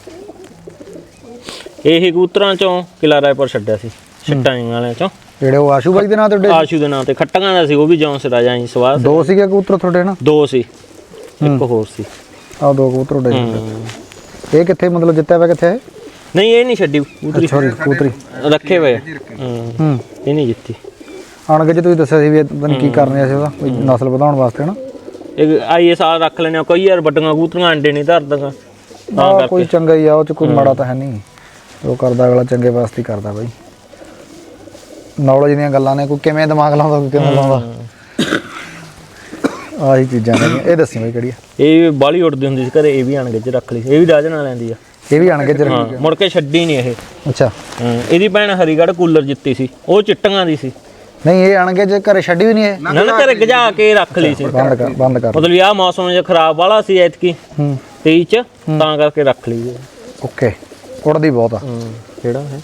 Speaker 2: ਇਹ ਕਬੂਤਰਾਂ ਚੋਂ ਕਿਲਾ ਰਾਏਪੁਰ ਛੱਡਿਆ ਸੀ ਛਿੱਟਾਂ ਵਾਲਿਆਂ ਚੋਂ,
Speaker 1: ਜਿਹੜੇ ਉਹ ਆਸ਼ੂ ਬਾਈ ਦੇ ਨਾਂ ਤੇ ਉੱਡੇ?
Speaker 2: ਆਸ਼ੂ ਦੇ ਨਾਂ ਤੇ। ਖੱਟੀਆਂ ਦਾ ਸੀ ਉਹ ਵੀ ਜੌਂਸ ਰਾਜਾ ਹੀ ਸਵਾਦ।
Speaker 1: 2 ਸੀਗੇ ਕਬੂਤਰ ਤੁਹਾਡੇ ਨਾ?
Speaker 2: 2 ਸੀ, ਇੱਕ ਹੋਰ ਸੀ।
Speaker 1: ਆਹ 2 ਕਬੂਤਰ ਉੱਡੇ। ਇਹ ਕਿੱਥੇ ਮਤਲਬ ਜਿੱਤਿਆ ਵਾ ਕਿੱਥੇ?
Speaker 2: ਨਹੀਂ ਇਹ ਨਹੀਂ ਛੱਡੀ ਕਬੂਤਰੀ
Speaker 1: ਸੌਰੀ ਕਬੂਤਰੀ
Speaker 2: ਰੱਖੇ ਹੋਏ ਆ।
Speaker 1: ਹੂੰ
Speaker 2: ਇਹ ਨਹੀਂ ਜਿੱਤੀ
Speaker 1: ਅਣਗੇ ਜੇ ਤੁਸੀਂ ਦੱਸਿਆ ਸੀ ਵੀ ਪਤਾ ਨਹੀਂ ਕੀ ਕਰਨੇ ਸੀ ਉਹਦਾ ਕੋਈ ਨਸਲ ਵਧਾਉਣ ਵਾਸਤੇ ਹਨਾ
Speaker 2: ਇਹ ਆਈਏ ਸਾਲ ਰੱਖ ਲੈਣੇ ਕਈ ਯਾਰ ਵੱਡੀਆਂ ਕਬੂਤਰੀਆਂ ਅੰਡੇ ਨਹੀਂ ਧਰਦੀਆਂ ਤਾਂ
Speaker 1: ਆਹ
Speaker 2: ਕਰਕੇ
Speaker 1: ਕੋਈ ਚੰਗਾ ਹੀ ਆ ਉਹ ਚ ਕੋਈ ਮਾੜਾ ਤਾਂ ਹੈ ਨਹੀਂ ਉਹ ਕਰਦਾ ਅਗਲਾ ਚੰਗੇ ਵਾਸਤੇ ਹੀ ਕਰਦਾ ਬਾਈ ਨੌਲੇਜ ਦੀਆਂ ਗੱਲਾਂ ਨੇ ਕੋਈ ਕਿਵੇਂ ਦਿਮਾਗ ਲਾਉਂਦਾ ਕੋਈ ਕਿਵੇਂ ਲਾਉਂਦਾ ਆਹੀ ਚੀਜ਼ਾਂ ਨੇ ਇਹ ਦੱਸੀ ਬਾਈ ਕਿਹੜੀ ਆ
Speaker 2: ਇਹ ਬਾਲੀ ਉੱਡਦੀ ਹੁੰਦੀ ਸੀ ਘਰੇ ਇਹ ਵੀ ਅਣਗੇ ਚ ਰੱਖ ਲਈ ਸੀ। ਇਹ ਵੀ ਰਾਜਨ ਨਾਲ ਲੈਂਦੀ ਆ
Speaker 1: ਇਹ ਵੀ ਅਣਗੇ ਜਰ
Speaker 2: ਹਾਂ ਮੁੜ ਕੇ ਛੱਡੀ ਨਹੀਂ ਇਹ
Speaker 1: ਅੱਛਾ
Speaker 2: ਇਹਦੀ ਭੈਣ ਹਰੀਗੜ੍ਹ ਕੂਲਰ ਜਿੱਤੀ ਸੀ ਉਹ ਚਿੱਟੀਆਂ ਦੀ ਸੀ
Speaker 1: ਨਹੀਂ ਇਹ ਅਣਗੇ ਜੇ ਘਰੇ ਛੱਡੀ ਵੀ ਨਹੀਂ ਇਹ
Speaker 2: ਨਾ ਨਾ ਘਰੇ ਗਜਾ ਕੇ ਰੱਖ ਲਈ ਸੀ
Speaker 1: ਬੰਦ ਕਰ
Speaker 2: ਮਤਲਬ ਆਹ ਮੌਸਮ ਜੇ ਖਰਾਬ ਵਾਲਾ ਸੀ ਐਤਕੀ 23 ਚ ਤਾਂ ਕਰਕੇ ਰੱਖ ਲਈ
Speaker 1: ਓਕੇ ਉੜਦੀ ਬਹੁਤ ਆ
Speaker 2: ਕਿਹੜਾ ਹੈ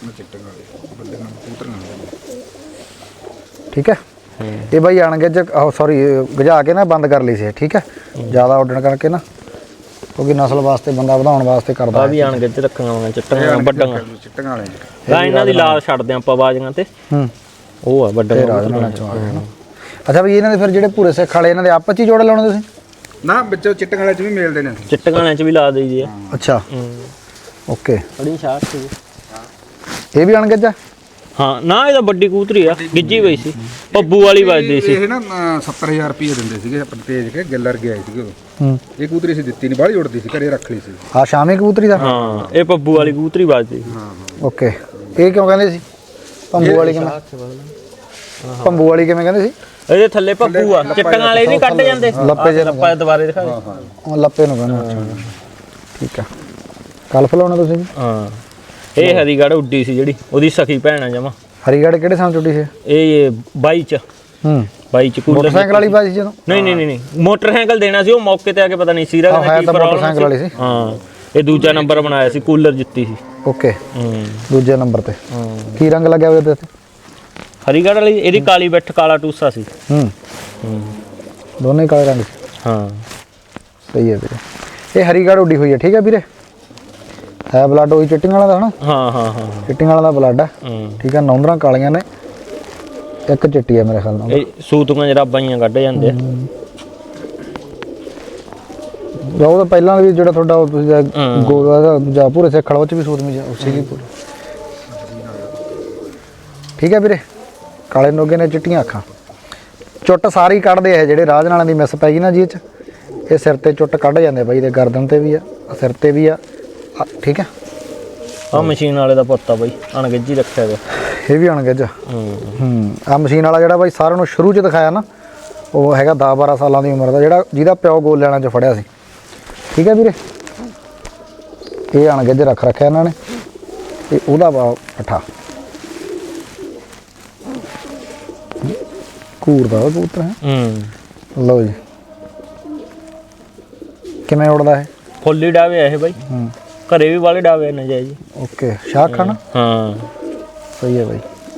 Speaker 1: ਠੀਕ ਹੈ ਇਹ ਬਾਈ ਅਣਗੇ ਜੇ ਸੌਰੀ ਗਜਾ ਕੇ ਨਾ ਬੰਦ ਕਰ ਲਈ ਸੀ ਠੀਕ ਹੈ ਜ਼ਿਆਦਾ ਉੱਡਣ ਕਰਕੇ ਨਾ ਕਿਉਂਕਿ ਨਸਲ ਵਾਸਤੇ ਬੰਦਾ ਵਧਾਉਣ ਵਾਸਤੇ ਕਰਦਾ
Speaker 2: ਆ ਵੀ ਆਣਗੇ ਚ ਰੱਖਾਂਗੇ ਚਿੱਟੀਆਂ ਵੱਡੀਆਂ
Speaker 3: ਚਿੱਟੀਆਂ ਵਾਲੇ
Speaker 2: ਤਾਂ ਇਹਨਾਂ ਦੀ ਲਾਲ ਛੱਡਦੇ ਆਪਾਂ ਬਾਜੀਆਂ ਤੇ
Speaker 1: ਹੂੰ
Speaker 2: ਉਹ ਆ ਵੱਡੀਆਂ
Speaker 1: ਰਾਜਨਾਣਾ ਚੋਂ ਆ ਗਏ ਨਾ ਅੱਛਾ ਬਈ ਇਹਨਾਂ ਦੇ ਫਿਰ ਜਿਹੜੇ ਭੂਰੇ ਸਿੱਖ ਵਾਲੇ ਇਹਨਾਂ ਦੇ ਆਪਸ ਚ ਹੀ ਜੋੜੇ ਲਾਉਣੇ ਤੁਸੀਂ
Speaker 3: ਨਾ ਵਿੱਚੋਂ ਚਿੱਟੀਆਂ ਵਾਲੇ ਚ ਵੀ ਮਿਲਦੇ ਨੇ
Speaker 2: ਚਿੱਟੀਆਂ ਵਾਲਿਆਂ ਚ ਵੀ ਲਾ ਦੇਈਦੀ ਆ
Speaker 1: ਅੱਛਾ ਓਕੇ
Speaker 2: ਬੜੀ ਸ਼ਾਰਟ ਸੀ
Speaker 1: ਇਹ ਵੀ ਅਣਗੇ ਜਾ
Speaker 2: ਹਾਂ ਨਾ ਇਹਦਾ ਵੱਡੀ ਕਬੂਤਰੀ ਆ ਗਿੱਜੀ ਪਈ ਸੀ ਪੱਬੂ ਵਾਲੀ ਵੱਜਦੀ ਸੀ
Speaker 3: ਇਹ ਨਾ 70000 ਰੁਪਏ ਦਿੰਦੇ ਸੀਗੇ ਆਪਣੇ ਤੇਜ ਕੇ ਗੱਲਰ ਗਿਆ ਸੀਗੇ ਉਹ
Speaker 1: ਹੂੰ
Speaker 3: ਇਹ ਕਬੂਤਰੀ ਸੀ ਦਿੱਤੀ ਨਹੀਂ ਬਾਹਲੀ ਉੜਦੀ ਸੀ ਘਰੇ ਰੱਖ ਲਈ ਸੀ
Speaker 1: ਆ ਸ਼ਾਮੀ ਕਬੂਤਰੀ ਦਾ
Speaker 2: ਹਾਂ ਇਹ ਪੱਬੂ ਵਾਲੀ ਕਬੂਤਰੀ ਵੱਜਦੀ ਸੀ
Speaker 1: ਓਕੇ ਇਹ ਕਿਉਂ ਕਹਿੰਦੇ ਸੀ ਭੰਬੂ ਵਾਲੀ ਕਿਵੇਂ ਭੰਬੂ ਵਾਲੀ ਕਿਵੇਂ ਕਹਿੰਦੇ ਸੀ
Speaker 2: ਇਹਦੇ ਥੱਲੇ ਪੱਬੂ ਆ ਚਿੱਟੀਆਂ ਵਾਲੇ ਨਹੀਂ ਕੱਢ ਜਾਂਦੇ
Speaker 1: ਲੱਪੇ ਜਿਹੇ
Speaker 2: ਲੱਪਾ ਦੁਬਾਰੇ ਦਿਖਾ ਦੇ
Speaker 1: ਉਹ ਲੱਪੇ ਨੂੰ ਕਹਿੰਦੇ ਠੀਕ ਆ ਕੱਲ ਫਲਾਉਣਾ ਤੁਸੀਂ ਵੀ?
Speaker 2: ਹਾਂ ਇਹ ਹਰੀਗੜ੍ਹ ਉੱਡੀ ਸੀ ਜਿਹੜੀ ਉਹਦੀ ਸਖੀ ਭੈਣ ਆ ਜਮਾ
Speaker 1: ਹਰੀਗੜ੍ਹ ਕਿਹੜੇ ਸਾਲ ਟੁੱਟੀ ਸੀ
Speaker 2: ਇਹ 22 ਚ
Speaker 1: ਹੂੰ
Speaker 2: 22 ਚ ਕੂਲਰ
Speaker 1: ਮੋਟਰਸਾਈਕਲ ਵਾਲੀ ਬਾਜੀ ਜਦੋਂ
Speaker 2: ਨਹੀਂ ਮੋਟਰਸਾਈਕਲ ਦੇਣਾ ਸੀ ਉਹ ਮੌਕੇ ਤੇ ਆ ਕੇ ਪਤਾ ਨਹੀਂ ਸੀਰਾ
Speaker 1: ਆਹ ਹੈ ਤਾਂ ਮੋਟਰਸਾਈਕਲ ਵਾਲੀ ਸੀ
Speaker 2: ਹਾਂ ਇਹ ਦੂਜਾ ਨੰਬਰ ਬਣਾਇਆ ਸੀ ਕੂਲਰ ਜਿੱਤੀ ਸੀ
Speaker 1: ਓਕੇ
Speaker 2: ਹੂੰ
Speaker 1: ਦੂਜੇ ਨੰਬਰ ਤੇ
Speaker 2: ਹਾਂ
Speaker 1: ਕੀ ਰੰਗ ਲੱਗਿਆ ਹੋਇਆ ਇਹਦੇ ਤੇ
Speaker 2: ਹਰੀਗੜ੍ਹ ਵਾਲੀ ਇਹਦੀ ਕਾਲੀ ਬਿੱਠ ਕਾਲਾ ਟੂਸਾ ਸੀ
Speaker 1: ਹੂੰ
Speaker 2: ਹੂੰ
Speaker 1: ਦੋਨੇ ਹੀ ਕਾਲੇ ਰੰਗ ਸੀ
Speaker 2: ਹਾਂ
Speaker 1: ਸਹੀ ਹੈ ਵੀਰੇ ਇਹ ਹਰੀਗੜ੍ਹ ਉੱਡੀ ਹੋਈ ਹੈ ਠੀਕ ਹੈ ਵੀਰੇ ਹੈ ਬਲੱਡ ਉਹੀ ਚਿੱਟੀਆਂ ਵਾਲਾ ਦਾ ਹਨਾ
Speaker 2: ਹਾਂ
Speaker 1: ਚਿੱਟੀਆਂ ਵਾਲਾ ਦਾ ਬਲੱਡ ਹੈ
Speaker 2: ਹੂੰ
Speaker 1: ਠੀਕ ਹੈ ਨੌਂਦਰਾਂ ਕਾਲੀਆਂ ਨੇ ਇੱਕ ਚਿੱਟੀ ਹੈ ਮੇਰੇ ਖਿਆਲ ਨਾਲ
Speaker 2: ਇਹ ਸੂਤੂਆਂ ਜਰਾਬਾਂ ਕੱਢ ਜਾਂਦੇ ਆ
Speaker 1: ਜਾਂ ਉਹ ਤਾਂ ਪਹਿਲਾਂ ਵੀ ਜਿਹੜਾ ਤੁਹਾਡਾ ਉਹ ਤੁਸੀਂ ਗੋਲਾ ਦਾ ਜਾਂ ਪੂਰੇ ਸਿੱਖ ਵਾਲਾ ਉਹ ਚ ਵੀ ਸੂਤ ਮੀ ਉਸੇ ਦੀ ਪੂਰੀ ਠੀਕ ਹੈ ਵੀਰੇ ਕਾਲੇ ਨੋਗੇ ਨੇ ਚਿੱਟੀਆਂ ਅੱਖਾਂ ਚੁੱਟ ਸਾਰੀ ਕੱਢਦੇ ਆ ਜਿਹੜੇ ਰਾਜ ਨਾਲਾਂ ਦੀ ਮਿਸ ਪੈ ਗਈ ਨਾ ਜੀ ਇਹ ਚ ਇਹ ਸਿਰ ਤੇ ਚੁੱਟ ਕੱਢ ਜਾਂਦੇ ਬਾਈ ਦੇ ਗਰਦਨ ਤੇ ਵੀ ਆ ਸਿਰ ਤੇ ਵੀ ਆ ਠੀਕ ਹੈ
Speaker 2: ਆ ਮਸ਼ੀਨ ਵਾਲੇ ਦਾ ਪੁੱਤ ਆ ਬਾਈ ਅਣਗਿੱਜੀ ਰੱਖਿਆ ਗਿਆ
Speaker 1: ਇਹ ਵੀ ਅਣਗਿੱਜ
Speaker 2: ਹੂੰ
Speaker 1: ਆ ਮਸ਼ੀਨ ਵਾਲਾ ਜਿਹੜਾ ਬਾਈ ਸਾਰਿਆਂ ਨੂੰ ਸ਼ੁਰੂ ਚ ਦਿਖਾਇਆ ਨਾ ਉਹ ਹੈਗਾ 10-12 ਸਾਲਾਂ ਦੀ ਉਮਰ ਦਾ ਜਿਹਦਾ ਪਿਓ ਗੋਲ ਲੈਣਾ ਚ ਫੜਿਆ ਸੀ ਠੀਕ ਹੈ ਵੀਰੇ ਇਹ ਅਣਗਿੱਜ ਰੱਖਿਆ ਇਹਨਾਂ ਨੇ ਤੇ ਉਹਦਾ ਪੱਠਾ ਕੂਰ ਦਾ ਕਬੂਤਰ ਹੈ
Speaker 2: ਹੂੰ
Speaker 1: ਲਓ ਜੀ ਕਿਵੇਂ ਉੜਦਾ ਹੈ
Speaker 2: ਫੁੱਲੀ ਡਾਵੇ ਆ ਇਹ ਬਾਈ
Speaker 1: ਹੂੰ
Speaker 2: ਘਰੇ ਵੀ ਵਾਲੇ ਡਾਵੇ ਨਾ ਜਾਈ ਜੀ
Speaker 1: ਓਕੇ ਸ਼ਾਹ ਖਾਨਾ
Speaker 2: ਹਾਂ
Speaker 1: ਸਹੀ ਹੈ ਬਾਈ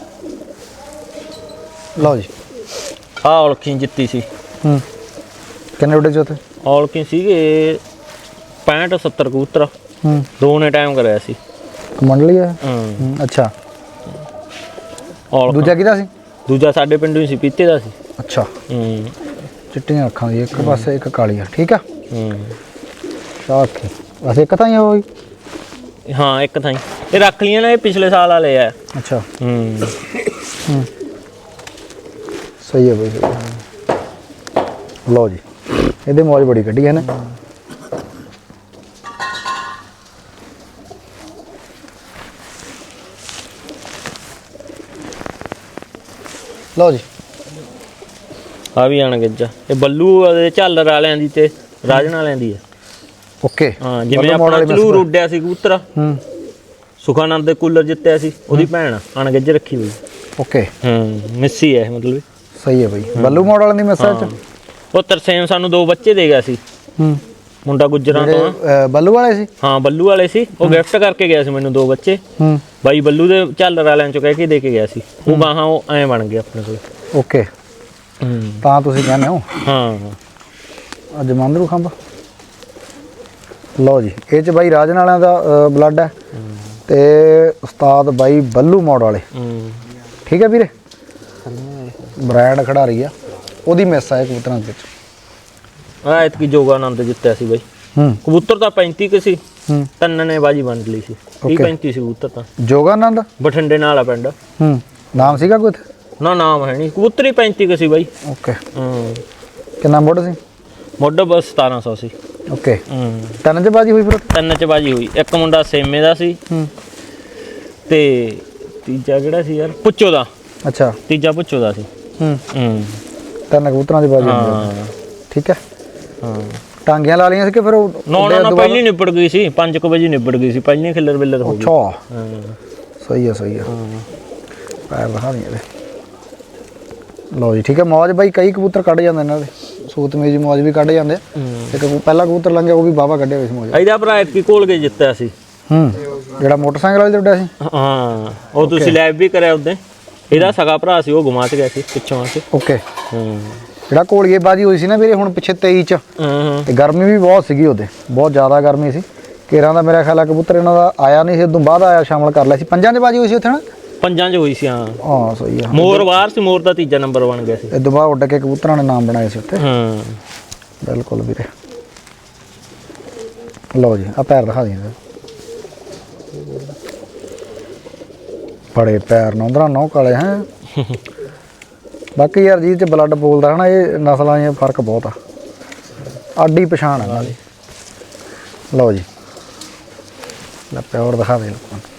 Speaker 1: ਲਓ ਜੀ
Speaker 2: ਆ ਔਲਖੀ ਜਿੱਤੀ ਸੀ
Speaker 1: ਹੂੰ ਕਿੰਨੇ ਉੱਡੇ ਚ ਉੱਥੇ
Speaker 2: ਔਲਖੀ ਸੀਗੇ 65-70 ਕਬੂਤਰ
Speaker 1: ਹੂੰ
Speaker 2: ਦੋ ਨੇ ਟਾਈਮ ਕਰਿਆ ਸੀ
Speaker 1: ਮੰਡਲੀ ਹੈ
Speaker 2: ਹੂੰ
Speaker 1: ਅੱਛਾ
Speaker 2: ਔਲਖ
Speaker 1: ਦੂਜਾ ਕਿਹਦਾ ਸੀ
Speaker 2: ਦੂਜਾ ਸਾਡੇ ਪਿੰਡੋਂ ਹੀ ਸੀ ਪੀਤੇ ਦਾ ਸੀ
Speaker 1: ਅੱਛਾ
Speaker 2: ਹੂੰ
Speaker 1: ਚਿੱਟੀਆਂ ਅੱਖਾਂ ਦੀ ਇੱਕ ਪਾਸੇ ਇੱਕ ਕਾਲੀ ਆ ਠੀਕ ਆ
Speaker 2: ਹੂੰ
Speaker 1: ਸ਼ਾਖ ਬਸ ਇੱਕ ਤਾਂ ਹੀ ਹੋਈ
Speaker 2: ਹਾਂ ਇੱਕ ਥਾਂ ਹੀ ਇਹ ਰੱਖ ਲੀਆਂ ਨੇ ਇਹ ਪਿਛਲੇ ਸਾਲ ਵਾਲੇ ਆ
Speaker 1: ਅੱਛਾ
Speaker 2: ਹੂੰ
Speaker 1: ਸਹੀ ਹੈ ਬਈ ਸਹੀ ਹੈ। ਲਓ ਜੀ ਇਹਦੇ ਮੌਜ ਬੜੀ ਕੱਢੀ ਹੈ ਨਾ ਲਓ ਜੀ
Speaker 2: ਆ ਵੀ ਆਣ ਗੱਜਾ ਇਹ ਬੱਲੂ ਦੇ ਝਾਲਰ ਵਾਲਿਆਂ ਦੀ ਤੇ ਰਾਜਨ ਵਾਲਿਆਂ ਦੀ ਹੈ
Speaker 1: ਓਕੇ
Speaker 2: ਹਾਂ ਜਿਵੇਂ ਆਪਣਾ ਚਲੂਰ ਉੱਡਿਆ ਸੀ ਕਬੂਤਰ
Speaker 1: ਹੂੰ
Speaker 2: ਸੁਖਾਨੰਦ ਦੇ ਕੂਲਰ ਜਿੱਤਿਆ ਸੀ ਉਹਦੀ ਭੈਣ ਆਣ ਗੱਜ ਰੱਖੀ ਹੋਈ
Speaker 1: ਓਕੇ
Speaker 2: ਹੂੰ ਮਿੱਸੀ ਹੈ ਮਤਲਬ
Speaker 1: ਸਹੀ ਹੈ ਬਈ ਬੱਲੂ ਮਾਡਲ ਦੀ ਮੈਸੇਜ ਚ
Speaker 2: ਉਹ ਤਰਸੇਮ ਸਾਨੂੰ ਦੋ ਬੱਚੇ ਦੇ ਗਿਆ ਸੀ
Speaker 1: ਹੂੰ
Speaker 2: ਮੁੰਡਾ ਗੁੱਜਰਾਂ ਤੋਂ ਆ।
Speaker 1: ਬੱਲੂ ਵਾਲੇ ਸੀ
Speaker 2: ਹਾਂ ਬੱਲੂ ਵਾਲੇ ਸੀ ਉਹ ਗਿਫਟ ਕਰਕੇ ਗਿਆ ਸੀ ਮੈਨੂੰ ਦੋ ਬੱਚੇ
Speaker 1: ਹੂੰ
Speaker 2: ਬਾਈ ਬੱਲੂ ਦੇ ਝਾਲਰ ਵਾਲਿਆਂ ਚੋਂ ਕਹਿ ਕੇ ਦੇ ਕੇ ਗਿਆ ਸੀ ਉਹ ਗਾਹਾਂ ਉਹ ਐਂ ਬਣ ਗਿਆ ਆਪਣੇ ਕੋਲ
Speaker 1: ਓਕੇ
Speaker 2: ਹੂੰ
Speaker 1: ਤਾਂ ਤੁਸੀਂ ਕਹਿੰਦੇ ਹੋ
Speaker 2: ਹਾਂ
Speaker 1: ਅੱਜ ਮੰਦਰੂ ਖੰਭ ਲਓ ਜੀ ਇਹ ਚ ਬਾਈ ਰਾਜਨ ਵਾਲਿਆਂ ਦਾ ਬਲੱਡ ਹੈ ਤੇ ਉਸਤਾਦ ਬਾਈ ਬੱਲੂ ਮੋੜ ਵਾਲੇ
Speaker 2: ਹੂੰ
Speaker 1: ਠੀਕ ਹੈ ਵੀਰੇ ਬ੍ਰਾਂਡ ਖਿਡਾਰੀ ਆ ਉਹਦੀ ਮਿਸ ਆ ਇਹ ਕਬੂਤਰਾਂ ਦੇ ਵਿੱਚ
Speaker 2: ਆ ਇਤਕੀ ਜੋਗਾਨੰਦ ਜਿੱਤਿਆ ਸੀ ਬਾਈ
Speaker 1: ਹੂੰ
Speaker 2: ਕਬੂਤਰ ਤਾਂ 35 ਕੁ ਸੀ,
Speaker 1: ਹੂੰ
Speaker 2: ਤਿੰਨ ਨੇ ਬਾਜੀ ਵੰਡ ਲਈ ਸੀ। 30 35 ਸੀ ਕਬੂਤਰ ਤਾਂ।
Speaker 1: ਜੋਗਾਨੰਦ
Speaker 2: ਬਠਿੰਡੇ ਨਾਲ ਆ ਪਿੰਡ।
Speaker 1: ਹੂੰ ਨਾਮ ਸੀਗਾ ਕੋਈ ਉੱਥੇ?
Speaker 2: ਨਾ ਨਾਮ ਹੈ ਨਹੀਂ, ਕਬੂਤਰ ਹੀ 35 ਕੁ ਸੀ ਬਾਈ।
Speaker 1: ਓਕੇ
Speaker 2: ਹੂੰ
Speaker 1: ਕਿੰਨਾ ਮੁੱਢ ਸੀ?
Speaker 2: ਮੁੱਢ ਬਸ 1700 ਸੀ।
Speaker 1: ਓਕੇ
Speaker 2: ਹੂੰ
Speaker 1: ਤਿੰਨ 'ਚ ਬਾਜੀ ਹੋਈ ਫਿਰ ਉੱਥੇ?
Speaker 2: ਤਿੰਨ ਚ ਬਾਜੀ ਹੋਈ। ਇੱਕ ਮੁੰਡਾ ਸੇਮੇ ਦਾ ਸੀ
Speaker 1: ਹੂੰ
Speaker 2: ਤੇ ਤੀਜਾ ਕਿਹੜਾ ਸੀ ਯਾਰ, ਪੁੱਚੋ ਦਾ।
Speaker 1: ਅੱਛਾ
Speaker 2: ਤੀਜਾ ਪੁੱਚੋ ਦਾ ਸੀ।
Speaker 1: ਹੂੰ
Speaker 2: ਹੂੰ
Speaker 1: ਤਿੰਨ ਕਬੂਤਰਾਂ ਦੀ ਬਾਜੀ ਹੁੰਦੀ ਆ।
Speaker 2: ਹਾਂ
Speaker 1: ਠੀਕ ਹੈ
Speaker 2: ਹਾਂ।
Speaker 1: ਟਾਂਗੀਆਂ ਲਾ ਲਈਆਂ ਸੀ ਕਿ ਫਿਰ ਉਹ
Speaker 2: ਨਾ ਪਹਿਲੀ ਨਿਬੜ ਗਈ ਸੀ, 5 ਵਜੇ ਨਿਬੜ ਗਈ ਸੀ, ਪਹਿਲੀ ਖਿੱਲਰ ਬਿੱਲਰ ਹੋ ਗਈ।
Speaker 1: ਅੱਛਾ
Speaker 2: ਹਾਂ
Speaker 1: ਸਹੀ ਆ ਪੈਰ ਦਿਖਾ ਨਹੀਂ ਇਹਦੇ। ਲਓ ਜੀ ਠੀਕ ਹੈ। ਮੌਜ ਬਾਈ ਕਈ ਕਬੂਤਰ ਕੱਢ ਜਾਂਦੇ ਇਹਨਾਂ ਦੇ, ਸੂਤਮੀ ਜੀ ਮੌਜ ਵੀ ਕੱਢ ਜਾਂਦੇ। ਇੱਕ ਪਹਿਲਾ ਕਬੂਤਰ ਲੰਘਿਆ ਉਹ ਵੀ ਬਾਵਾ ਕੱਢਿਆ ਹੋਇਆ ਸੀ ਮੌਜ।
Speaker 2: ਇਹਦਾ ਭਰਾ ਐਤਕੀ ਕੋਲ ਕੇ ਜਿੱਤਿਆ ਸੀ।
Speaker 1: ਹੂੰ ਜਿਹੜਾ ਮੋਟਰਸਾਈਕਲ ਵਾਲੇ ਤੇ ਉੱਡਿਆ ਸੀ?
Speaker 2: ਹਾਂ ਉਹ ਤੁਸੀਂ ਲਾਈਵ ਵੀ ਕਰਿਆ ਉਹਦੇ। ਇਹਦਾ ਸਗਾ ਭਰਾ ਸੀ, ਉਹ ਗੁਆਚ ਗਿਆ ਸੀ ਪਿੱਛੋਂ ਆ ਕੇ।
Speaker 1: ਓਕੇ
Speaker 2: ਹੂੰ
Speaker 1: ਜਿਹੜਾ ਕੋਲੀਏ ਬਾਜੀ ਹੋਈ ਸੀ ਨਾ ਵੀਰੇ ਹੁਣ ਪਿੱਛੇ 23 ਚ,
Speaker 2: ਹਾਂ
Speaker 1: ਤੇ ਗਰਮੀ ਵੀ ਬਹੁਤ ਸੀਗੀ ਉਹਦੇ, ਬਹੁਤ ਜ਼ਿਆਦਾ ਗਰਮੀ ਸੀ। ਕੇਰਾਂ ਦਾ ਮੇਰਾ ਖਿਆਲ ਆ ਕਬੂਤਰ ਇਹਨਾਂ ਦਾ ਆਇਆ ਨਹੀਂ ਸੀ, ਉਦੋਂ ਬਾਅਦ ਆਇਆ ਸ਼ਾਮਲ ਕਰ ਲਿਆ ਸੀ। ਪੰਜਾਂ 'ਚ ਬਾਜੀ ਹੋਈ ਸੀ ਉੱਥੇ ਨਾ?
Speaker 2: ਪੰਜਾਂ 'ਚ ਹੋਈ ਸੀ। ਹਾਂ
Speaker 1: ਹਾਂ ਸਹੀ ਆ।
Speaker 2: ਮੋਰ ਬਾਹਰ ਸੀ, ਮੋਰ ਦਾ ਤੀਜਾ ਨੰਬਰ ਬਣ ਗਿਆ ਸੀ।
Speaker 1: ਇਹ ਤੋਂ ਬਾਅਦ ਉੱਡ ਕੇ ਕਬੂਤਰਾਂ ਨੇ ਨਾਮ ਬਣਾਏ ਸੀ ਉੱਥੇ।
Speaker 2: ਹਾਂ
Speaker 1: ਬਿਲਕੁਲ ਵੀਰੇ। ਲਓ ਜੀ ਆ ਪੈਰ ਦਿਖਾ ਦਿੰਦੇ। ਬੜੇ ਪੈਰ ਨੌਂਦਰਾ ਨੌ ਕਾਲੇ ਹੈ। ਬਾਕੀ ਯਾਰ ਜੀ ਤੇ ਬਲੱਡ ਬੋਲਦਾ ਹਨਾ, ਇਹ ਨਸਲਾਂ 'ਚ ਫਰਕ ਬਹੁਤ ਆ, ਆਡੀ ਪਛਾਣ ਹੈ ਨਾਲੇ। ਲਓ ਜੀ ਲੈ ਪਿਓਰ ਦਿਖਾ ਦੇ ਲੋਕਾਂ ਨੂੰ।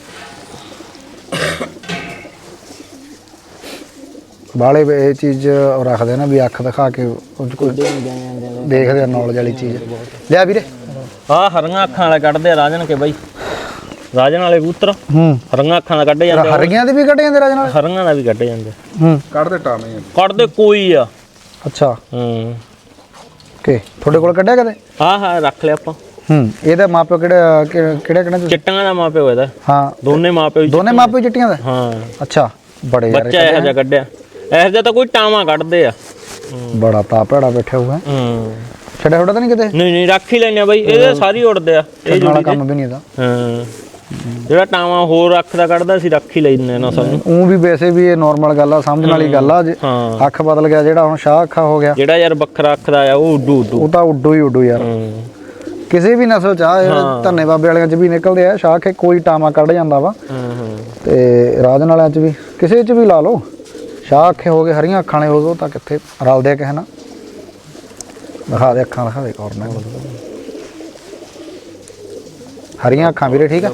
Speaker 1: ਬਾਲੇ ਇਹ ਚੀਜ਼ ਰੱਖਦੇ ਨਾ ਵੀ ਅੱਖ ਦਿਖਾ ਕੇ ਕੋਈ ਦੇਖਦੇ ਆ ਨੌਲੇਜ ਵਾਲੀ ਚੀਜ਼। ਲਿਆ ਵੀਰੇ
Speaker 2: ਆਹ ਹਰੀਆਂ ਅੱਖਾਂ ਵਾਲੇ ਕੱਢਦੇ ਆ ਰਾਜਨ ਕੇ ਬਾਈ, ਰਾਜਨ ਵਾਲੇ ਕਬੂਤਰ
Speaker 1: ਹੂੰ
Speaker 2: ਹਰੀਆਂ ਅੱਖਾਂ ਦਾ ਕੱਢੇ ਜਾਂਦੇ।
Speaker 1: ਹਰੀਆਂ ਦੇ ਵੀ ਕੱਢੇ ਜਾਂਦੇ ਰਾਜ ਨਾਲ?
Speaker 2: ਹਰੀਆਂ ਦਾ ਵੀ ਕੱਢੇ ਜਾਂਦੇ।
Speaker 1: ਹੂੰ
Speaker 3: ਕੱਢਦੇ ਟਾਵੇਂ
Speaker 2: ਕੱਢਦੇ ਕੋਈ ਆ।
Speaker 1: ਅੱਛਾ
Speaker 2: ਹੂੰ
Speaker 1: ਓਕੇ ਤੁਹਾਡੇ ਕੋਲ ਕੱਢਿਆ ਕਦੇ?
Speaker 2: ਹਾਂ ਰੱਖ ਲਿਆ ਆਪਾਂ।
Speaker 1: ਹੂੰ ਇਹਦਾ ਮਾਪਿਓ ਕਿਹੜੇ
Speaker 2: ਚਿੱਟੀਆਂ ਦਾ ਮਾਪਿਓ ਇਹਦਾ।
Speaker 1: ਹਾਂ
Speaker 2: ਦੋਨੇ ਮਾਪਿਓ
Speaker 1: ਦੋਨੇ ਮਾਪਿਓ ਚਿੱਟੀਆਂ ਦਾ?
Speaker 2: ਹਾਂ
Speaker 1: ਅੱਛਾ ਬੜੇ ਯਾਰ
Speaker 2: ਬੱਚਾ ਇਹੋ ਜਿਹਾ ਕੱਢਿਆ। ਇਹੋ ਜਿਹਾ ਤਾਂ ਕੋਈ ਟਾਵਾਂ ਕੱਢਦੇ ਆ।
Speaker 1: ਬੜਾ ਤਾਪੜਾ ਬੈਠਾ ਹੋਇਆ।
Speaker 2: ਹੂੰ
Speaker 1: ਛੱਡਿਆ ਛੋੜਾ ਤਾਂ ਨਹੀਂ ਕਿਤੇ?
Speaker 2: ਨਹੀਂ ਰੱਖ ਹੀ ਲੈਣੇ ਬਾਈ, ਇਹਦੇ ਸਾਰੀ ਉੜਦੇ ਆ। ਇਹ
Speaker 1: ਵਾਲਾ ਕੰਮ ਵੀ ਨਹੀਂ ਇਹਦਾ।
Speaker 2: ਹਾਂ ਜਿਹੜਾ ਟਾਵਾਂ ਹੋਰ ਅੱਖ ਦਾ ਕੱਢਦਾ ਸੀ ਰੱਖ ਹੀ ਲੈਂਦੇ ਨਾ ਸਾਨੂੰ।
Speaker 1: ਉਹ ਵੀ ਵੈਸੇ ਵੀ ਇਹ ਨਾਰਮਲ ਗੱਲ ਆ, ਸਮਝਣ ਵਾਲੀ ਗੱਲ ਆ।
Speaker 2: ਹਾਂ
Speaker 1: ਅੱਖ ਬਦਲ ਗਿਆ ਜਿਹੜਾ, ਹੁਣ ਸ਼ਾਹ ਅੱਖਾਂ ਹੋ ਗਿਆ।
Speaker 2: ਜਿਹੜਾ ਯਾਰ ਵੱਖਰਾ ਅੱਖ ਦਾ ਆ ਉਹ ਉੱਡੂ
Speaker 1: ਉਹ ਤਾਂ ਉੱਡੂ ਹੀ ਉੱਡੂ ਯਾਰ। ਕਿਸੇ ਵੀ ਨਸਲ ਚ ਆ, ਧੰਨੇ ਬਾਬੇ ਵਾਲਿਆਂ ਚ ਵੀ ਨਿਕਲਦੇ ਆ ਸ਼ਾਹ ਕੇ, ਕੋਈ ਟਾਵਾਂ ਕੱਢ ਜਾਂਦਾ ਵਾ। ਤੇ ਰਾਜਨ ਵਾਲਿਆਂ ਚ ਵੀ, ਕਿਸੇ ਚ ਵੀ ਲਾ ਲਓ। ਸ਼ਾਹ ਅੱਖੇ ਹੋ ਗਏ, ਹਰੀਆਂ ਅੱਖਾਂ ਵਾਲੇ ਹੋ ਗਏ, ਉਹ ਤਾਂ ਕਿੱਥੇ ਰਲਦੇ ਕਿਸੇ ਨਾਲ। ਦਿਖਾ ਦੇ ਅੱਖਾਂ, ਦਿਖਾ ਦੇ ਕੋਰਨਾ ਹਰੀਆਂ ਅੱਖਾਂ ਵੀਰੇ। ਠੀਕ ਆ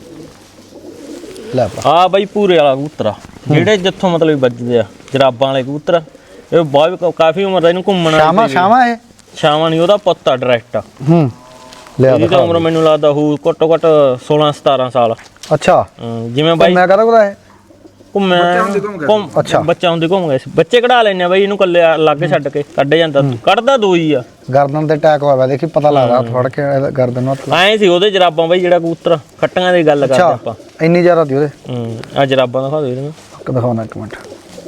Speaker 1: ਲੈ
Speaker 2: ਆ ਬਾਈ ਪੂਰੇ ਵਾਲਾ ਕਬੂਤਰ ਆ, ਜਿਹੜੇ ਜਿੱਥੋਂ ਮਤਲਬ ਵੱਜਦੇ ਆ ਜਰਾਬਾਂ ਵਾਲੇ ਕਬੂਤਰ। ਇਹ ਬਹੁਤ ਕਾਫੀ ਉਮਰ ਦਾ, ਇਹਨੂੰ ਘੁੰਮਣਾ।
Speaker 1: ਸ਼ਾਮਾਂ ਇਹ
Speaker 2: ਸ਼ਾਮਾਂ ਨਹੀਂ, ਉਹਦਾ ਪੁੱਤ ਆ ਡਾਇਰੈਕਟ।
Speaker 1: ਹੂੰ ਲਿਆ
Speaker 2: ਇਹਦੀ ਤਾਂ ਉਮਰ ਮੈਨੂੰ ਲੱਗਦਾ ਹੋਊ ਘੱਟੋ ਘੱਟ 16 17 ਸਾਲ।
Speaker 1: ਅੱਛਾ
Speaker 2: ਜਿਵੇਂ ਬਾਈ
Speaker 1: ਮੈਂ ਕਹਦਾ ਕੋਦਾ ਹੈ
Speaker 2: ਘੁੰਮਿਆ
Speaker 1: ਅੱਛਾ
Speaker 2: ਬੱਚਾ ਹੁੰਦੇ ਘੁੰਮ ਗਏ ਸੀ। ਬੱਚੇ ਕਢਾ ਲੈਣੇ ਆ ਬਾਈ, ਇਹਨੂੰ ਕੱਲੇ ਲਾਗੇ ਛੱਡ ਕੇ ਕੱਢ ਜਾਂਦਾ। ਕੱਢਦਾ ਦੋ ਹੀ ਆ।
Speaker 1: ਗਰਦਨ ਤੇ ਅਟੈਕ ਹੋਇਆ, ਦੇਖੀ ਪਤਾ ਲੱਗਦਾ ਫੜ ਕੇ ਗਰਦਨ ਨੂੰ ਹੱਥ।
Speaker 2: ਐਂ ਸੀ ਉਹਦੇ ਜਰਾਬਾਂ ਬਾਈ, ਜਿਹੜਾ ਕਬੂਤਰ ਖੱਟੀਆਂ ਦੀ ਗੱਲ ਕਰਦੇ ਆਪਾਂ।
Speaker 1: ਇੰਨੀ ਜ਼ਿਆਦਾ ਤੀ ਉਹਦੇ?
Speaker 2: ਆ ਜਰਾਬਾਂ ਦਿਖਾ ਦਿਓ ਇਹਨੂੰ।
Speaker 1: ਦਿਖਾਉਣਾ ਇੱਕ ਮਿੰਟ,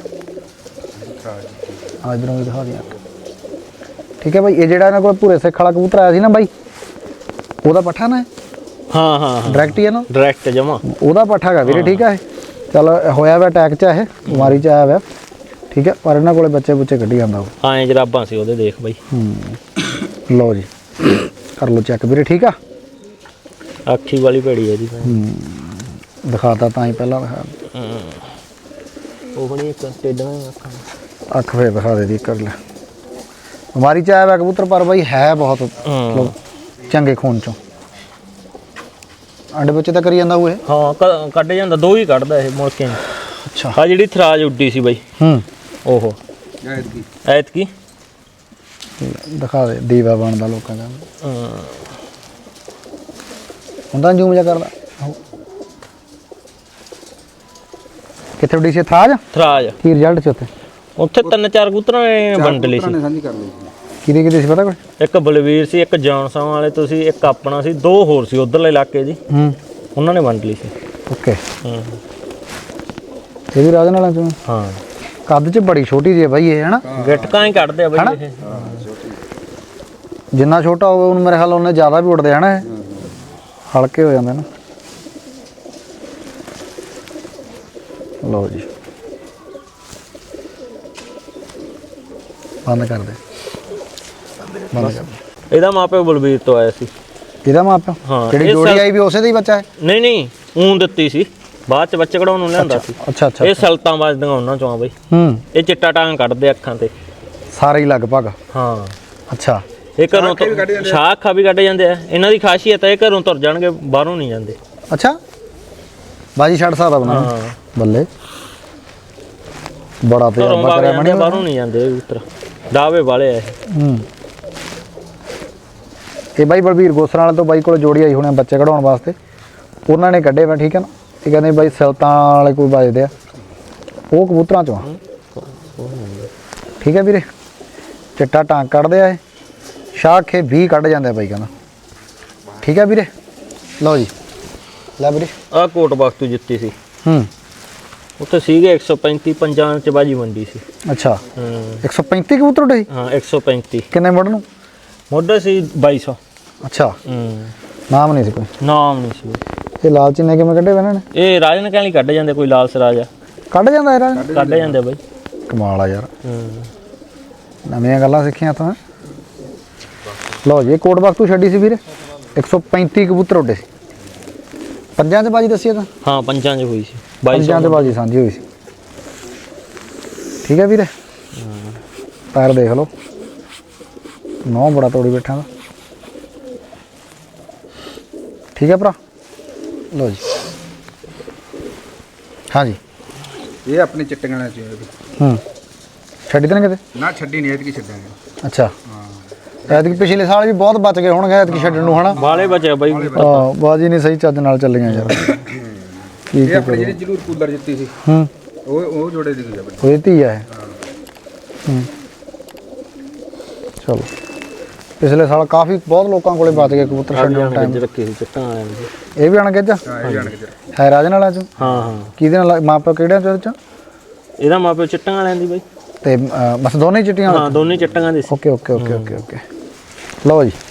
Speaker 1: ਆ ਇਧਰੋਂ ਵੀ ਦਿਖਾ ਦਿਆਂ। ਠੀਕ ਹੈ ਬਾਈ, ਇਹ ਜਿਹੜਾ ਇਹਨਾਂ ਕੋਲ ਭੂਰੇ ਸਿੱਖ ਵਾਲਾ ਕਬੂਤਰ ਆਇਆ ਸੀ ਨਾ ਬਾਈ, ਉਹਦਾ ਪੱਠਾ ਨਾ?
Speaker 2: ਹਾਂ
Speaker 1: ਡਾਇਰੈਕਟ ਹੀ ਹੈ ਨਾ?
Speaker 2: ਡਾਇਰੈਕਟ ਜਮਾ
Speaker 1: ਉਹਦਾ ਪੱਠਾ ਹੈਗਾ ਵੀਰੇ। ਠੀਕ ਹੈ ਚੱਲ ਹੋਇਆ ਵਾ ਅਟੈਕ ਚ, ਇਹ ਬਿਮਾਰੀ ਚ ਆਇਆ ਵਾ। ਠੀਕ ਹੈ ਪਰ ਇਹਨਾਂ ਕੋਲੇ ਬੱਚੇ ਬੁੱਚੇ ਕੱਢੀ ਜਾਂਦਾ ਉਹ।
Speaker 2: ਐਂ ਜਰਾਬਾਂ ਸੀ ਉਹਦੇ, ਦੇਖ ਬਾਈ।
Speaker 1: ਲਓ ਜੀ ਕਰ ਲਓ ਚੈੱਕ ਵੀਰੇ। ਠੀਕ ਆ
Speaker 2: ਅੱਖੀ ਵਾਲੀ ਭੇੜੀ ਹੈ ਜੀ।
Speaker 1: ਦਿਖਾਤਾ ਤਾਂ ਹੀ ਪਹਿਲਾਂ ਦਿਖਾ।
Speaker 2: ਉਹ ਬਣੀ ਇੱਕ ਟੇਡਾਂ ਅੱਖਾਂ।
Speaker 1: ਅੱਖ ਫੇਰ ਦਿਖਾ ਦੇ ਦੀ ਕਰ ਲੈ। ਬਿਮਾਰੀ ਚ ਆਇਆ ਵਾ ਕਬੂਤਰ, ਪਰ ਬਾਈ ਹੈ ਬਹੁਤ ਮਤਲਬ ਚੰਗੇ ਖੂਨ ਚੋਂ। ਅੰਡੇ ਬੱਚੇ ਤਾਂ ਕਰੀ ਜਾਂਦਾ ਉਹ?
Speaker 2: ਹਾਂ ਕੱਢ ਜਾਂਦਾ, ਦੋ ਹੀ ਕੱਢਦਾ ਇਹ ਮੁੜ ਕੇ।
Speaker 1: ਅੱਛਾ
Speaker 2: ਆ ਜਿਹੜੀ ਥਰਾਜ ਉੱਡੀ ਸੀ ਬਾਈ, ਉਹ ਐਤਕੀ
Speaker 1: ਦਿਖਾ ਦੇ। ਦੀਵਾ ਬਣਦਾ ਲੋਕਾਂ ਦਾ ਹੁੰਦਾ, ਜੂਮ ਜਾ ਕਰਦਾ। ਕਿੱਥੇ ਉੱਡੀ ਸੀ ਥਰਾਜ? ਕੀ ਰਿਜ਼ਲਟ ਚ
Speaker 2: ਉੱਥੇ 3-4 ਕਬੂਤਰਾਂ ਨੇ ਵੰਡ ਲਈ ਸੀ।
Speaker 3: ਸਾਂਝੀ ਕਰ ਲਈ
Speaker 1: ਕਿਹਦੇ ਕਿਹਦੇ ਸੀ ਪਤਾ ਕੋਈ?
Speaker 2: ਇੱਕ ਬਲਵੀਰ ਸੀ, ਇੱਕ ਜੌਨਸਾਂ ਵਾਲੇ ਤੁਸੀਂ, ਇੱਕ ਆਪਣਾ ਸੀ, ਦੋ ਹੋਰ ਸੀ ਉਧਰਲੇ ਇਲਾਕੇ ਦੀ। ਉਹਨਾਂ ਨੇ ਵੰਡ ਲਈ ਸੀ।
Speaker 1: ਓਕੇ ਇਹ ਵੀ ਰਾਜਨ ਵਾਲਾ ਚੋਂ?
Speaker 2: ਹਾਂ
Speaker 1: ਕੱਦ ਚ ਬੜੀ ਛੋਟੀ ਜਿਹੀ ਹੈ ਬਾਈ ਇਹ, ਹਨਾ?
Speaker 2: ਗਿੱਟਕਾਂ ਹੀ ਕੱਢਦੇ ਆ ਬਾਈ ਇਹ।
Speaker 1: ਜਿੰਨਾ ਛੋਟਾ ਹੋਵੇ ਉਹਨੂੰ ਮੇਰੇ ਖਿਆਲ ਉਹਨੇ ਜ਼ਿਆਦਾ ਵੀ ਉੱਡਦੇ ਹਨਾ, ਇਹ ਹਲਕੇ ਹੋ ਜਾਂਦੇ ਨਾ। ਲਓ ਜੀ ਬੰਦ ਕਰ ਦੇ, ਬੰਦ ਕਰ ਦੇ।
Speaker 2: ਇਹਦਾ ਮਾਪਿਓ ਬਲਵੀਰ ਤੋਂ ਆਇਆ ਸੀ।
Speaker 1: ਇਹਦਾ ਮਾਪਿਓ
Speaker 2: ਹਾਂ,
Speaker 1: ਜਿਹੜੀ
Speaker 2: ਇਹ
Speaker 1: ਜੋੜੀ
Speaker 2: ਸੈਲ-
Speaker 1: ਆਈ ਵੀ ਉਸੇ ਦਾ ਹੀ ਬੱਚਾ ਹੈ?
Speaker 2: ਨਹੀਂ ਨਹੀਂ ਊਂ ਦਿੱਤੀ ਸੀ, ਬਾਅਦ ਚ ਬੱਚੇ ਕਢਾਉਣ ਨੂੰ ਲਿਆਂਦਾ ਸੀ।
Speaker 1: ਅੱਛਾ ਅੱਛਾ
Speaker 2: ਇਹ ਸਲਤਾਂ ਵੱਜਦੀਆਂ ਉਹਨਾਂ ਚੋਂ ਆ ਬਈ। ਇਹ ਚਿੱਟਾ ਟਾਂਗ ਕੱਢਦੇ ਅੱਖਾਂ ਤੇ।
Speaker 1: ਸਾਰੇ ਹੀ ਲਗਭਗ।
Speaker 2: ਹਾਂ
Speaker 1: ਅੱਛਾ
Speaker 2: ਇਹ ਘਰੋਂ ਤੋਂ ਸ਼ਾਖਾ ਵੀ ਕੱਢ ਜਾਂਦੇ ਆ। ਇਹਨਾਂ ਦੀ ਖਾਸੀਅਤ ਹੈ ਇਹ ਘਰੋਂ ਤੁਰ ਜਾਣਗੇ, ਬਾਹਰੋਂ ਨਹੀਂ ਜਾਂਦੇ।
Speaker 1: ਅੱਛਾ ਬਾਜੀ ਛੱਡ ਸਕਦਾ ਬਣਾ
Speaker 2: ਹਾਂ
Speaker 1: ਬੱਲੇ ਬੜਾ ਤੇ
Speaker 2: ਘਰੋਂ
Speaker 1: ਬੱਕਰਾ
Speaker 2: ਬਾਹਰ ਬਾਹਰੋਂ ਨਹੀਂ ਜਾਂਦੇ ਇਹ ਕਬੂਤਰ, ਡਾਵੇ ਵਾਲੇ ਆ ਇਹ।
Speaker 1: ਇਹ ਬਾਈ ਬਲਬੀਰ ਗੋਸਰਾਂ ਵਾਲੇ ਤੋਂ ਬਾਈ ਕੋਲ ਜੋੜੀ ਆਈ ਹੋਣੀ ਬੱਚੇ ਕਢਾਉਣ ਵਾਸਤੇ, ਉਹਨਾਂ ਨੇ ਕੱਢੇ ਵਾ ਠੀਕ ਹੈ ਨਾ। ਇਹ ਕਹਿੰਦੇ ਬਾਈ ਸਲਤਾਂ ਵਾਲੇ ਕੋਈ ਵੱਜਦੇ ਆ, ਉਹ ਕਬੂਤਰਾਂ ਚੋਂ ਆ। ਠੀਕ ਹੈ ਵੀਰੇ, ਚਿੱਟਾ ਟਾਂਗ ਕੱਢਦੇ ਆ ਇਹ, ਸ਼ਾਖੇ 20 ਕੱਢ ਜਾਂਦੇ ਆ ਬਾਈ ਕਹਿੰਦਾ। ਠੀਕ ਹੈ ਵੀਰੇ, ਲਓ ਜੀ ਲੈ ਵੀਰੇ।
Speaker 2: ਆਹ ਕੋਟ ਬਖਤੂ ਜਿੱਤੀ ਸੀ, ਉੱਥੇ ਸੀਗੇ 135 ਪੰਜਾਂ ਚ ਬਾਜੀ ਮੰਡੀ ਸੀ।
Speaker 1: ਅੱਛਾ 135 ਕਬੂਤਰ ਉੱਡੇ ਸੀ?
Speaker 2: ਹਾਂ 135
Speaker 1: ਕਿੰਨੇ ਮੁੱਢ ਨੂੰ?
Speaker 2: ਮੋਢੇ ਸੀ 2200।
Speaker 1: ਅੱਛਾ ਨਾਮ ਨਹੀਂ ਸੀ ਕੋਈ?
Speaker 2: ਨਾਮ ਨਹੀਂ ਸੀ।
Speaker 1: ਇਹ ਲਾਲ ਚੀਨੇ ਕਿਵੇਂ ਕੱਢੇ ਵੇ ਇਹਨਾਂ ਨੇ?
Speaker 2: ਇਹ ਰਾਜਨ ਕਹਿਣ ਲਈ ਕੱਢ ਜਾਂਦੇ, ਕੋਈ ਲਾਲ ਸਰਾਜ ਆ
Speaker 1: ਕੱਢ ਜਾਂਦਾ ਇਹਦਾ?
Speaker 2: ਕੱਢ ਜਾਂਦੇ ਬਾਈ।
Speaker 1: ਕਮਾਲ ਆ ਯਾਰ, ਨਵੀਆਂ ਗੱਲਾਂ ਸਿੱਖੀਆਂ ਤਾਂ। ਲਓ ਜੀ ਇਹ ਕੋਟ ਬਖਤੂ ਛੱਡੀ ਸੀ ਵੀਰੇ, 135 ਕਬੂਤਰ ਉੱਡੇ ਸੀ। ਪੰਜਾਂ 'ਚ ਬਾਜੀ ਦੱਸੀ ਤਾਂ?
Speaker 2: ਹਾਂ ਪੰਜਾਂ 'ਚ ਹੋਈ ਸੀ,
Speaker 1: ਪੰਜਾਂ 'ਚ ਬਾਜੀ ਸਾਂਝੀ ਹੋਈ ਸੀ। ਠੀਕ ਹੈ ਵੀਰੇ, ਪੈਰ ਦੇਖ ਲਓ, ਨੌ ਬੜਾ ਤੋੜੀ ਬੈਠਾ ਦਾ। ਠੀਕ ਹੈ ਭਰਾ, ਲਓ ਜੀ। ਹਾਂਜੀ
Speaker 3: ਇਹ ਆਪਣੇ ਚਿੱਟੀਆਂ ਵਾਲਿਆਂ ਚ
Speaker 1: ਛੱਡੀ ਤਾਂ ਨਹੀਂ ਕਿਤੇ?
Speaker 3: ਨਾ ਛੱਡੀ ਨਹੀਂ, ਐਤਕੀ ਛੱਡਾਂਗੇ।
Speaker 1: ਅੱਛਾ ਐਤਕੀ ਪਿਛਲੇ ਸਾਲ ਵੀ ਬਹੁਤ ਬਚ ਗਏ ਹੋਣਗੇ ਐਤਕੀ ਛੱਡਣ ਨੂੰ ਹਨਾ?
Speaker 2: ਵਾਲੇ ਬਚਿਆ ਬਾਈ।
Speaker 1: ਹਾਂ ਬਾਜੀ ਨਹੀਂ ਸਹੀ ਚੱਜ ਨਾਲ ਚੱਲੀਆਂ ਯਾਰ।
Speaker 3: ਇਹ ਆਪਣੇ ਜਿਹੜੀ ਜ਼ਰੂਰ ਕੂਲਰ ਜਿੱਤੀ ਸੀ, ਉਹ ਜੋੜੇ ਦੀ ਦੂਜਾ
Speaker 1: ਉਹ ਧੀ ਆ ਇਹ। ਚਲੋ ਪਿਛਲੇ ਸਾਲ ਕਾਫੀ ਬਹੁਤ ਲੋਕਾਂ ਕੋਲੇ ਬਚ ਗਏ ਕਬੂਤਰ ਛੱਡਣ ਟਾਈਮ।
Speaker 2: ਰੱਖੀ ਸੀ ਚਿੱਟਾਂ ਵਾਲਿਆਂ ਦੀ।
Speaker 1: ਇਹ ਵੀ ਅਣਗਿੱਜ ਹੈ ਰਾਜਨ ਵਾਲਿਆਂ ਚੋਂ?
Speaker 2: ਹਾਂ ਹਾਂ
Speaker 1: ਕਿਹਦੇ ਨਾਲ ਮਾਪਿਓ ਕਿਹੜਿਆਂ ਚੋਂ? ਇਹਦੇ ਚੋਂ
Speaker 2: ਇਹਦਾ ਮਾਪਿਓ ਚਿੱਟਾਂ ਵਾਲਿਆਂ ਦੀ ਬਾਈ।
Speaker 1: ਤੇ ਬਸ ਦੋਨੇ ਹੀ ਚਿੱਟੀਆਂ?
Speaker 2: ਹਾਂ ਦੋਨੇ ਚਿੱਟਾਂ ਦੀ ਸੀ।
Speaker 1: Okay okay okay okay okay ਲਓ ਜੀ।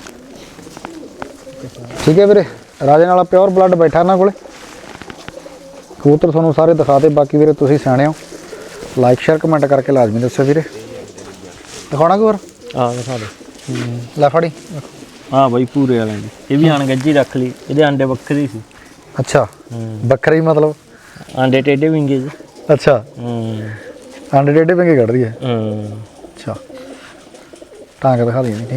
Speaker 1: ਠੀਕ ਹੈ ਵੀਰੇ, ਰਾਜਨ ਵਾਲਾ ਪਿਓਰ ਬਲੱਡ ਬੈਠਾ ਇਹਨਾਂ ਕੋਲੇ। ਕਬੂਤਰ ਤੁਹਾਨੂੰ ਸਾਰੇ ਦਿਖਾਤੇ। ਬਾਕੀ ਵੀਰੇ ਤੁਸੀਂ ਸਿਆਣੇ ਹੋ, ਲਾਈਕ ਸ਼ੇਅਰ ਕਮੈਂਟ ਕਰਕੇ ਲਾਜ਼ਮੀ ਦੱਸਿਓ ਵੀਰੇ। ਦਿਖਾਉਣਾ ਕੋਈ ਹੋਰ?
Speaker 2: ਦਿਖਾ ਦੇ।
Speaker 1: ਲੈ ਫੜੀ।
Speaker 2: ਹਾਂ ਬਾਈ ਪੂਰੇ ਵਾਲਿਆਂ ਦੀ। ਇਹ ਵੀ ਅਣਗੱਜੀ ਰੱਖ ਲਈ, ਇਹਦੇ ਆਂਡੇ ਵੱਖਰੇ ਸੀ।
Speaker 1: ਅੱਛਾ ਵੱਖਰਾ ਹੀ ਮਤਲਬ?
Speaker 2: ਆਂਡੇ ਟੇਢੇ ਵਿੰਗੇ ਜੀ।
Speaker 1: ਅੱਛਾ ਆਂਡੇ ਡੇਢੇ ਪੰਗੇ ਕੱਢਦੀ ਹੈ? ਅੱਛਾ ਟਾਂਗ ਦਿਖਾ ਦਈਏ। ਠੀਕ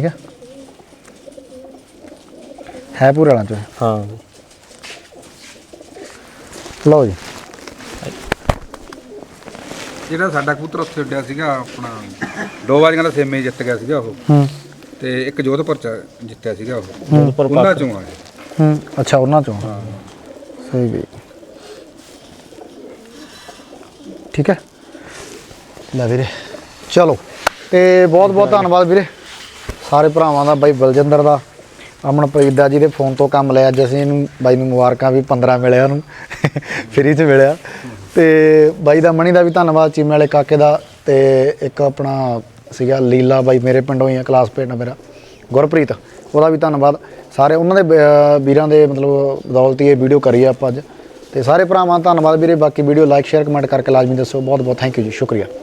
Speaker 1: ਹੈ ਪੂਰੇ ਵਾਲਾਂ ਚੋਂ?
Speaker 2: ਹਾਂ
Speaker 1: ਲਓ ਜੀ।
Speaker 3: ਜਿਹੜਾ ਸਾਡਾ ਕਬੂਤਰ ਉੱਥੇ ਉੱਡਿਆ ਸੀਗਾ ਆਪਣਾ 2 ਵਾਰੀਆਂ ਦਾ ਸੇਮੇ ਜਿੱਤ ਗਿਆ ਸੀਗਾ ਉਹ, ਤੇ ਇੱਕ ਜੋਧਪੁਰ ਚ ਜਿੱਤਿਆ ਸੀਗਾ ਉਹ, ਉਹਨਾਂ ਚੋਂ ਆ।
Speaker 1: ਅੱਛਾ ਉਹਨਾਂ ਚੋਂ? ਸਹੀ ਵੀ। ਠੀਕ ਹੈ ਲੈ ਵੀਰੇ, ਚਲੋ ਤੇ ਬਹੁਤ ਬਹੁਤ ਧੰਨਵਾਦ ਵੀਰੇ ਸਾਰੇ ਭਰਾਵਾਂ ਦਾ। ਬਾਈ ਬਲਜਿੰਦਰ ਦਾ, ਅਮਨਪ੍ਰੀਤ ਦਾ ਜਿਹਦੇ ਫੋਨ ਤੋਂ ਕੰਮ ਲਿਆ ਅੱਜ ਅਸੀਂ ਇਹਨੂੰ। ਬਾਈ ਨੂੰ ਮੁਬਾਰਕਾਂ ਵੀ 15 ਮਿਲਿਆ ਉਹਨੂੰ ਫਰੀ 'ਚ ਮਿਲਿਆ। ਤੇ ਬਾਈ ਦਾ ਮਣੀ ਦਾ ਵੀ ਧੰਨਵਾਦ, ਚੀਮੇ ਵਾਲੇ ਕਾਕੇ ਦਾ। ਤੇ ਇੱਕ ਆਪਣਾ ਸੀਗਾ ਲੀਲਾ ਬਾਈ ਮੇਰੇ ਪਿੰਡੋਂ ਹੀ ਆ, ਕਲਾਸਮੇਟ ਆ ਮੇਰਾ, ਗੁਰਪ੍ਰੀਤ, ਉਹਦਾ ਵੀ ਧੰਨਵਾਦ। ਸਾਰੇ ਉਹਨਾਂ ਦੇ ਵੀਰਾਂ ਦੇ ਮਤਲਬ ਬਦੌਲਤ ਹੀ ਇਹ ਵੀਡੀਓ ਕਰੀ ਆ ਆਪਾਂ ਅੱਜ। ਤੇ ਸਾਰੇ ਭਰਾਵਾਂ ਦਾ ਧੰਨਵਾਦ ਵੀਰੇ। ਬਾਕੀ ਵੀਡੀਓ ਲਾਈਕ ਸ਼ੇਅਰ ਕਮੈਂਟ ਕਰਕੇ ਲਾਜ਼ਮੀ ਦੱਸੋ। ਬਹੁਤ ਬਹੁਤ ਥੈਂਕ ਯੂ ਜੀ, ਸ਼ੁਕਰੀਆ।